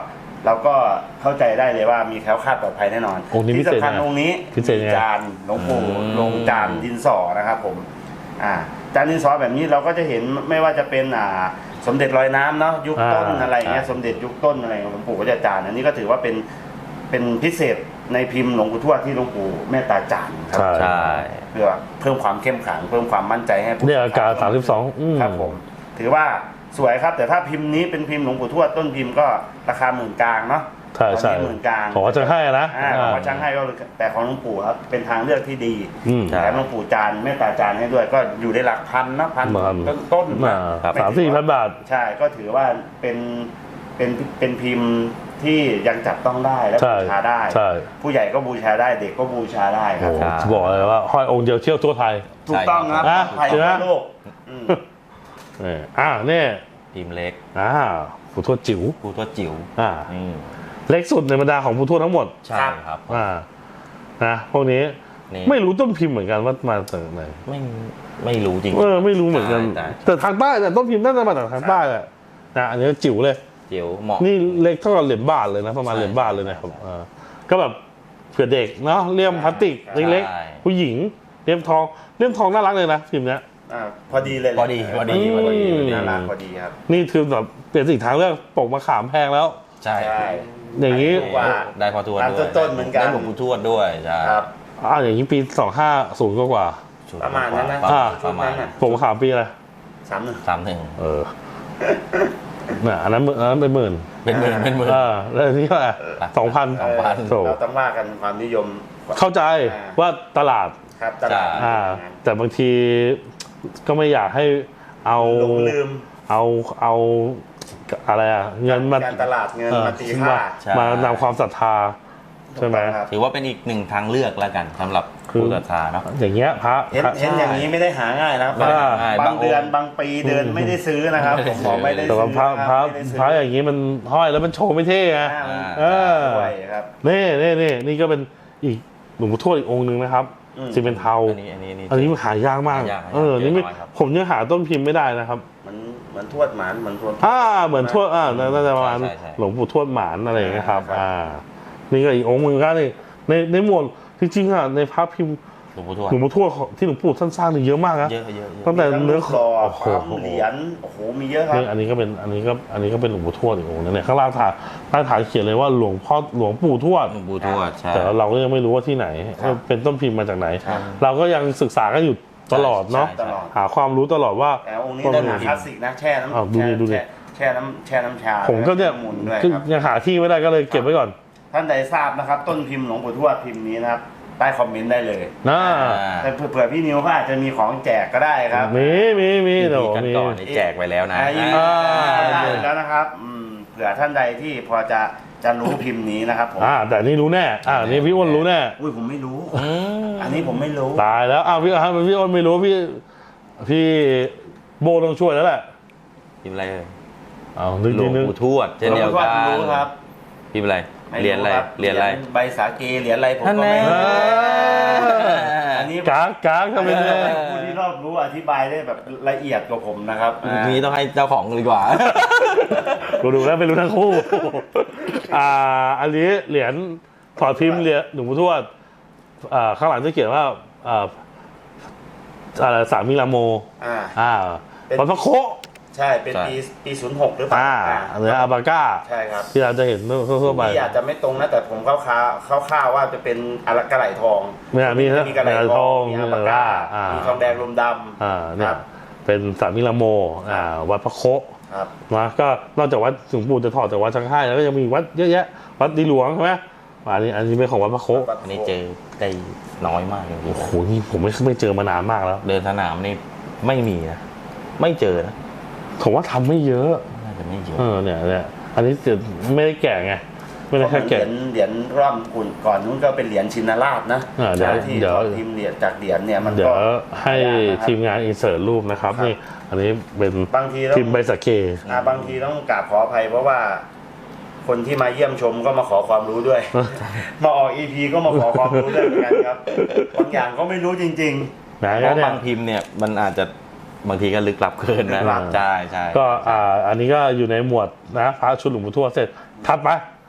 Speaker 3: เราก็เข้าใจได้เลยว่ามีแคล้วคลาดปลอดภัยแน่นอน
Speaker 1: องค์นี้พิ
Speaker 3: ที่
Speaker 1: เศษ
Speaker 3: สำคัญ
Speaker 1: นะ
Speaker 3: องค์นี้
Speaker 1: พิเศษยังไง
Speaker 3: จานหลวงปู่
Speaker 2: อืม
Speaker 3: ลงจานดินสอนะครับผมอ่าจานดินสอแบบนี้เราก็จะเห็นไม่ว่าจะเป็นอ่าสมเด็จลอยน้ำเนาะยุคต้น
Speaker 1: อ่า
Speaker 3: อะไรเงี้ยสมเด็จยุคต้นอะไรของหลวงปู่ก็จะจานอันนี้ก็ถือว่าเป็นเป็นพิเศษในพิมพ์หลวงปู่ทวดที่หลวงปู่เมตตาจานครั
Speaker 1: ใช่
Speaker 2: ใช่
Speaker 3: เพื่อเพิ่มความเข้มขลังเพิ่มความมั่นใจให้ผู้
Speaker 1: เนี่ยอาการสามสิบสองอืม
Speaker 3: ครับผมถือว่าสวยครับแต่ถ้าพิมพ์นี้เป็นพิมพ์หลวงปู่ทวดต้นพิมพ์ก็ราคาหมื่นกลางเนาะ
Speaker 1: ใช่ใช่
Speaker 3: ตอนนี้หมื่นกลาง
Speaker 1: ของวัดจังให้นะ
Speaker 3: อ่าของวัดช่างให้ก็แต่ของหลวงปู่ครับเป็นทางเลือกที่ดี
Speaker 1: อืม
Speaker 2: ใช่
Speaker 3: แถมหลวงปู่จานเมตตาจานให้ด้วยก็อยู่ในหลักพันนะพัน
Speaker 1: พัน
Speaker 3: ต้นต้นๆ
Speaker 1: อ่า
Speaker 3: นะ
Speaker 1: สามสี่พันบาท
Speaker 3: ใช่ก็ถือว่าเป็นเป็นเป็นพิมพ์ที่ยังจับต้องได้และ
Speaker 1: ใช่
Speaker 3: บูชาได้
Speaker 1: ใช่
Speaker 3: ผู้ใหญ่ก็บูชาได้เด็กก็บูชาได้ค
Speaker 1: โอ้
Speaker 3: รับ
Speaker 1: จะบอกเลยว่าห้อยองค์เดียวเที่ยวทั่วไทย
Speaker 3: ถูกต้องครับ
Speaker 1: ใช่
Speaker 3: ปลอดภัย
Speaker 1: ใช่ไหม
Speaker 3: ทั่วโลกอืม
Speaker 1: นี่อ่าเนี่ย
Speaker 2: พิมพ์เล็ก
Speaker 1: อ่าผู้ทวดจิ๋ว
Speaker 2: ผู้ทวดจิ๋ว
Speaker 1: อ่า
Speaker 2: อืม
Speaker 1: เล็กสุดในบรรดาของผู้ทวดทั้งหมด
Speaker 2: ใช่ครับ
Speaker 1: อ่านะพวกนี้
Speaker 2: นี่
Speaker 1: ไม่รู้ต้นพิมพ์เหมือนกันว่ามาจากไหน
Speaker 2: ไม่ไม่รู้จริง
Speaker 1: เออไม่รู้เหมือนกัน
Speaker 2: ใช่
Speaker 1: แต่ทางใต้แต่ต้นพิมพ์น่าจะมาจากทางใต้แหละนะอันนี้จิ๋วเลย
Speaker 2: จิ๋วเหมาะ
Speaker 1: นี่เล็กเท่ากับเหรียญบาทเลยนะประมาณ
Speaker 2: ใช่
Speaker 1: เหรียญบาทเลยนะครับอ่าก็แบบเผื่อเด็กเนาะเลี่ยมพลาสติก
Speaker 2: ใช่
Speaker 1: เล็กๆผู้หญิงเลี่ยมทองเลี่ยมทองน่ารักเลยนะพิมพ์เนี้ย
Speaker 3: อ่าพอดีเลยแหละ
Speaker 2: พอดีพอดีพอดี
Speaker 1: อืม
Speaker 3: น่ารักพอดีครับ
Speaker 1: นี่คือแบบเปลี่ยนสิ่งทางเลือกปกมะขามแพงแล้ว
Speaker 2: ใช่
Speaker 3: ใช่
Speaker 1: อย่างนี้
Speaker 3: ถูกกว่า
Speaker 2: ได้พอทวด
Speaker 3: ตาม
Speaker 2: ด้วย
Speaker 3: ต้นๆเหมือนกัน
Speaker 2: ได้หลวงปู่ทวดด้วยใช่
Speaker 3: ครับ
Speaker 1: อ่าอย่างนี้ปีสองห้าศูนย์กว่า
Speaker 3: ประมาณนั้นนะ
Speaker 1: อ่า
Speaker 2: ประมาณ
Speaker 1: ๆปกมะขามปีอะไร
Speaker 3: สามหนึ่ง
Speaker 2: สามหนึ่ง
Speaker 1: เออน่ะอันนั้นอันนั้นเป็นหมื่น
Speaker 2: เป็นหมื่นเป็นหมื่น
Speaker 1: เออแล้วอันนี้ก็สองพัน
Speaker 2: สองพัน
Speaker 1: โถ
Speaker 3: เราต้องว่ากันความนิยม
Speaker 1: เข้าใจ
Speaker 3: อ่า
Speaker 1: ว่าตลาด
Speaker 3: ครับตลาด
Speaker 1: อ่า แต่บางทีก็ไม่อยากให้เอา
Speaker 3: หลงลืม
Speaker 1: เอาเอาอะไรอ่ะเงินมา
Speaker 3: การตลาดเงิน
Speaker 1: เออ
Speaker 3: มาตีค่า
Speaker 2: ใช่
Speaker 1: มานำความศรัทธาใช่ไหม
Speaker 3: ถูกต้องครับ
Speaker 2: ถือว่าเป็นอีกหนึ่งทางเลือกแล้วกันสำหรับ
Speaker 1: คือ
Speaker 2: ผู้ศรัทธาเนาะ
Speaker 1: อย่างเงี้ยพระ
Speaker 3: เห็น
Speaker 1: พระ
Speaker 3: เห็นอย่างนี้ไม่ได้หาง่ายนะครับ
Speaker 2: ไม่ได้หาง่าย
Speaker 3: บาง
Speaker 2: บางองค์
Speaker 3: เดือนบางปีเดือนไม่ได้ซื้อนะครับผมบอกไม่ได้
Speaker 1: แต่
Speaker 3: ซื้
Speaker 1: ว่า
Speaker 3: อ
Speaker 1: พระ
Speaker 3: นะ
Speaker 1: พระ
Speaker 3: ไม่ได้ซื้
Speaker 1: พระอย่างนี้มันห้อยแล้วมันโชว์ไม่เท่ไง
Speaker 3: อ่ามัน
Speaker 1: เออ
Speaker 3: ด้วยครับ
Speaker 1: นี่นี่นี่นี่ก็เป็นอีกหลวงปู่ทวดอีกองค์หนึ่งนะครับ
Speaker 3: อืม
Speaker 1: ซีเมนเทา
Speaker 2: อันนี้อันนี้
Speaker 1: อันนี้มันหายากมาก
Speaker 2: หายากหายาก
Speaker 1: เออนี่ไม่
Speaker 2: เจอน้อยครับ
Speaker 1: ผมยังหาต้นพิมพ์ไม่ได้นะครับ
Speaker 3: เหมือนเหมือนทวดหมานเหมือนทวด
Speaker 1: อ่าเหมือนทวดอ่าน่าจะประมาณ
Speaker 2: ใช่ใช่
Speaker 1: หลวงปู่ทวดหมานอะไรอย่างเงี้ยครับ
Speaker 3: ครับ
Speaker 1: อ่า นี่ก็อีกองค์หนึงก็นี่ในในหมวดจริงๆอ่ะในพระพิมพ์
Speaker 2: หลวงปู่ทวด
Speaker 1: หลวงปู่ทวดของที่หลวงปู่ท่านสร้างนี่เยอะมากนะ
Speaker 2: เยอะเยอะเยอะ
Speaker 1: ตั้งแต่
Speaker 3: มีทั้ง
Speaker 1: เนื้อ
Speaker 3: หล่อ
Speaker 1: โอ้โห
Speaker 3: ความเหรียญโอ้โหมีเยอะครับ
Speaker 1: นี่อันนี้ก็เป็นอันนี้ก็อันนี้ก็เป็นหลวงปู่ทวดอีกองค์นึงเนี่ยข้างล่างฐานใต้ฐานเขียนเลยว่าหลวงพ่อหลวงปู่ทวด
Speaker 2: หลวงปู่ทวดใช่
Speaker 1: แต่เราก็ยังไม่รู้ว่าที่ไหน
Speaker 3: ครับ
Speaker 1: เป็นต้นพิมพ์มาจากไหน
Speaker 3: ครับ
Speaker 1: เราก็ยังศึกษากันอยู่ตลอดเนาะ
Speaker 2: ใช่
Speaker 3: ตลอด
Speaker 1: หาความรู้ตลอดว่า
Speaker 3: แต่องค์นี้
Speaker 1: ต้
Speaker 3: ได้
Speaker 1: น
Speaker 3: หา
Speaker 1: พิ
Speaker 3: ค
Speaker 1: ม
Speaker 3: ลา
Speaker 1: พ์
Speaker 3: สสิกนะแช่น้ำ
Speaker 1: อ้าวดูดิดูดิ
Speaker 3: แช่แช่น้ำแช่น้ำชา
Speaker 1: ผมก็เนี่ย
Speaker 3: หมุนด้วย
Speaker 1: คือ
Speaker 3: ครับ
Speaker 1: ยังหาที่ไม่ได้ก็เลยเก็บไว้ก่อน
Speaker 3: ท่านใดทราบนะครับ ต้นพิมพ์หลวงปู่ทวดพิมพ์นี้นะครับใต้คอมเมนต์ได้เลย
Speaker 1: นะ
Speaker 3: แต่เผื่อพี่นิวเขาอาจจะมีของแจกก็ได้ครับ
Speaker 1: มีมีมี
Speaker 2: มี
Speaker 1: เดี๋ยว
Speaker 2: กัน
Speaker 1: มี
Speaker 2: ก่อนนี่แจกไปแล้วนะ
Speaker 3: อ่ายินดี
Speaker 1: อ่า
Speaker 3: ได้แล้วนะครับอืมเผื่อท่านใดที่พอจะจะรู้พิมพ์นี้นะครับผม
Speaker 1: อ่าแต่นี่รู้แน่อ่านี่พี่อ้วนรู้แน่
Speaker 3: อุ้ยผมไม่รู้
Speaker 2: อืม
Speaker 3: อันนี้ผมไม่รู้
Speaker 1: ตายแล้วอ้าวพี่อ้วนพี่อ้วนไม่รู้พี่พี่โบต้องช่วยแล้วแหละ
Speaker 2: พิมพ์อะไรเอ่ย
Speaker 1: เอานึก
Speaker 2: หล
Speaker 1: นิ
Speaker 2: ว
Speaker 1: ด
Speaker 2: ง
Speaker 1: นึง
Speaker 2: ปู่ทวดเช่นเดียวกัน
Speaker 3: หลวงปู่ทวดรู้ครับ
Speaker 2: พิมพ์อะไร
Speaker 3: ม่
Speaker 2: เหรียญอะไร
Speaker 3: คบ
Speaker 2: เหรียญอะไร
Speaker 3: ใบสาเกเหรียญอะไรผมก็ไม่
Speaker 2: อัน
Speaker 3: รู้
Speaker 2: แน่
Speaker 3: อันนี้
Speaker 1: กากกากทำเป็นเลย
Speaker 3: ผู้ที่รอบรู้อธิบายได้แบบละเอียดกว่าผมนะครับ
Speaker 2: นี้ต้องให้เจ้าของดีกว่า
Speaker 1: กูดูแล้วไม่รู้ทั้งคู่ อ่า อันนี้เหรียญถอดพิมพ์เหรียญหลวงปู่ทวดอ่าข้างหลังจะเขียนว่าอ่าอะไรสามิลาโม
Speaker 3: อ่า
Speaker 1: อ่า
Speaker 3: เป็น
Speaker 1: วัดพระโค
Speaker 3: ใช่เป็น
Speaker 2: ใช่
Speaker 3: ปีปีศูนย์หกหรือเปล่า
Speaker 1: อ่า
Speaker 3: อ่า
Speaker 1: เนื้ออาบาก้า
Speaker 3: ใช่ครับ
Speaker 1: ที่เราจะเห็นทั่วๆไป
Speaker 3: ที่อาจจะไม่ตรงนะแต่ผมคร่าวๆคร่าวๆว่าจะเป็นอะไรกระไหลทอง
Speaker 1: เนี่ยมีนะ
Speaker 3: มีกระไหล
Speaker 1: กระไหล
Speaker 3: ท
Speaker 1: ท
Speaker 3: อ
Speaker 1: อง ง
Speaker 3: มี
Speaker 1: มี
Speaker 3: อา
Speaker 1: อะไร
Speaker 3: บาก้า
Speaker 1: อ่ามี
Speaker 3: มีทองแดงลมดำ
Speaker 1: อ่าเนี่
Speaker 3: ค
Speaker 1: ย
Speaker 3: รับ
Speaker 1: เป็นสามิลาโมอ่าวัดพระโค
Speaker 3: ครับ
Speaker 1: นะก็นอกจากวัดหลวงปู่จะถอดจากวัดชังไห้แล้วก็ยังมีวัดเยอะแยะวัดดีหลวงใช่ไหมอันนี้อันนี้เป็นของวัดพระโค
Speaker 2: อันนี้เจอได้น้อยมากจริง
Speaker 1: โอ้โหนี่ผมไม่ไม่เจอมานานมากแล้ว
Speaker 2: ๆเดินสนามนี่ไม่มีนะไม่เจอนะ
Speaker 1: ผมว่าทำไม่เยอะ
Speaker 2: น่าจะไม่เยอะ
Speaker 1: เออเนี่ยเนี่ยอันนี้เดี๋ยวไม่ได้แกะไงไม่ได้
Speaker 3: เพราะเหมื
Speaker 1: แค่
Speaker 3: อนเหรี
Speaker 1: แกะ
Speaker 3: ยญเหรียญร่ำกุ่นก่อนนู้นก็เป็นเหรียญชินราชนะ
Speaker 1: อ่าเดี๋ยว
Speaker 3: ที่
Speaker 1: เดี๋ยว
Speaker 3: พิมพ์เหรียญจากเหรียญเนี่ยมัน
Speaker 1: เดี๋ย
Speaker 3: ก็
Speaker 1: วให้ทีมงานอินเสิร์ตรูปนะครับ
Speaker 3: ครับ
Speaker 1: นี่อันนี้เป็น
Speaker 3: บางทีต้อง
Speaker 1: พิมพ์ใบสะเก
Speaker 3: อ่าบางทีต้องกราบขออภัยเพราะว่า คนที่มาเยี่ยมชมก็มาขอความรู้ด้วย มาออกอีพีก็มาขอความรู้ด้วยเหมือนกันครับบางอย่างก็ไม่รู้จริง
Speaker 1: นะ
Speaker 2: เพ
Speaker 1: ก็
Speaker 2: ราะ
Speaker 1: เนี่ย
Speaker 2: บางพิมพ์เนี่ยมันอาจจะบางทีก็ลึกลับเกินนะ
Speaker 3: ลึกลับ
Speaker 2: ใช่ใช่
Speaker 1: ก็อ่าอันนี้ก็อยู่ในหมวดนะพระชุดหลวงปู่ทวดเสร็จถัดไป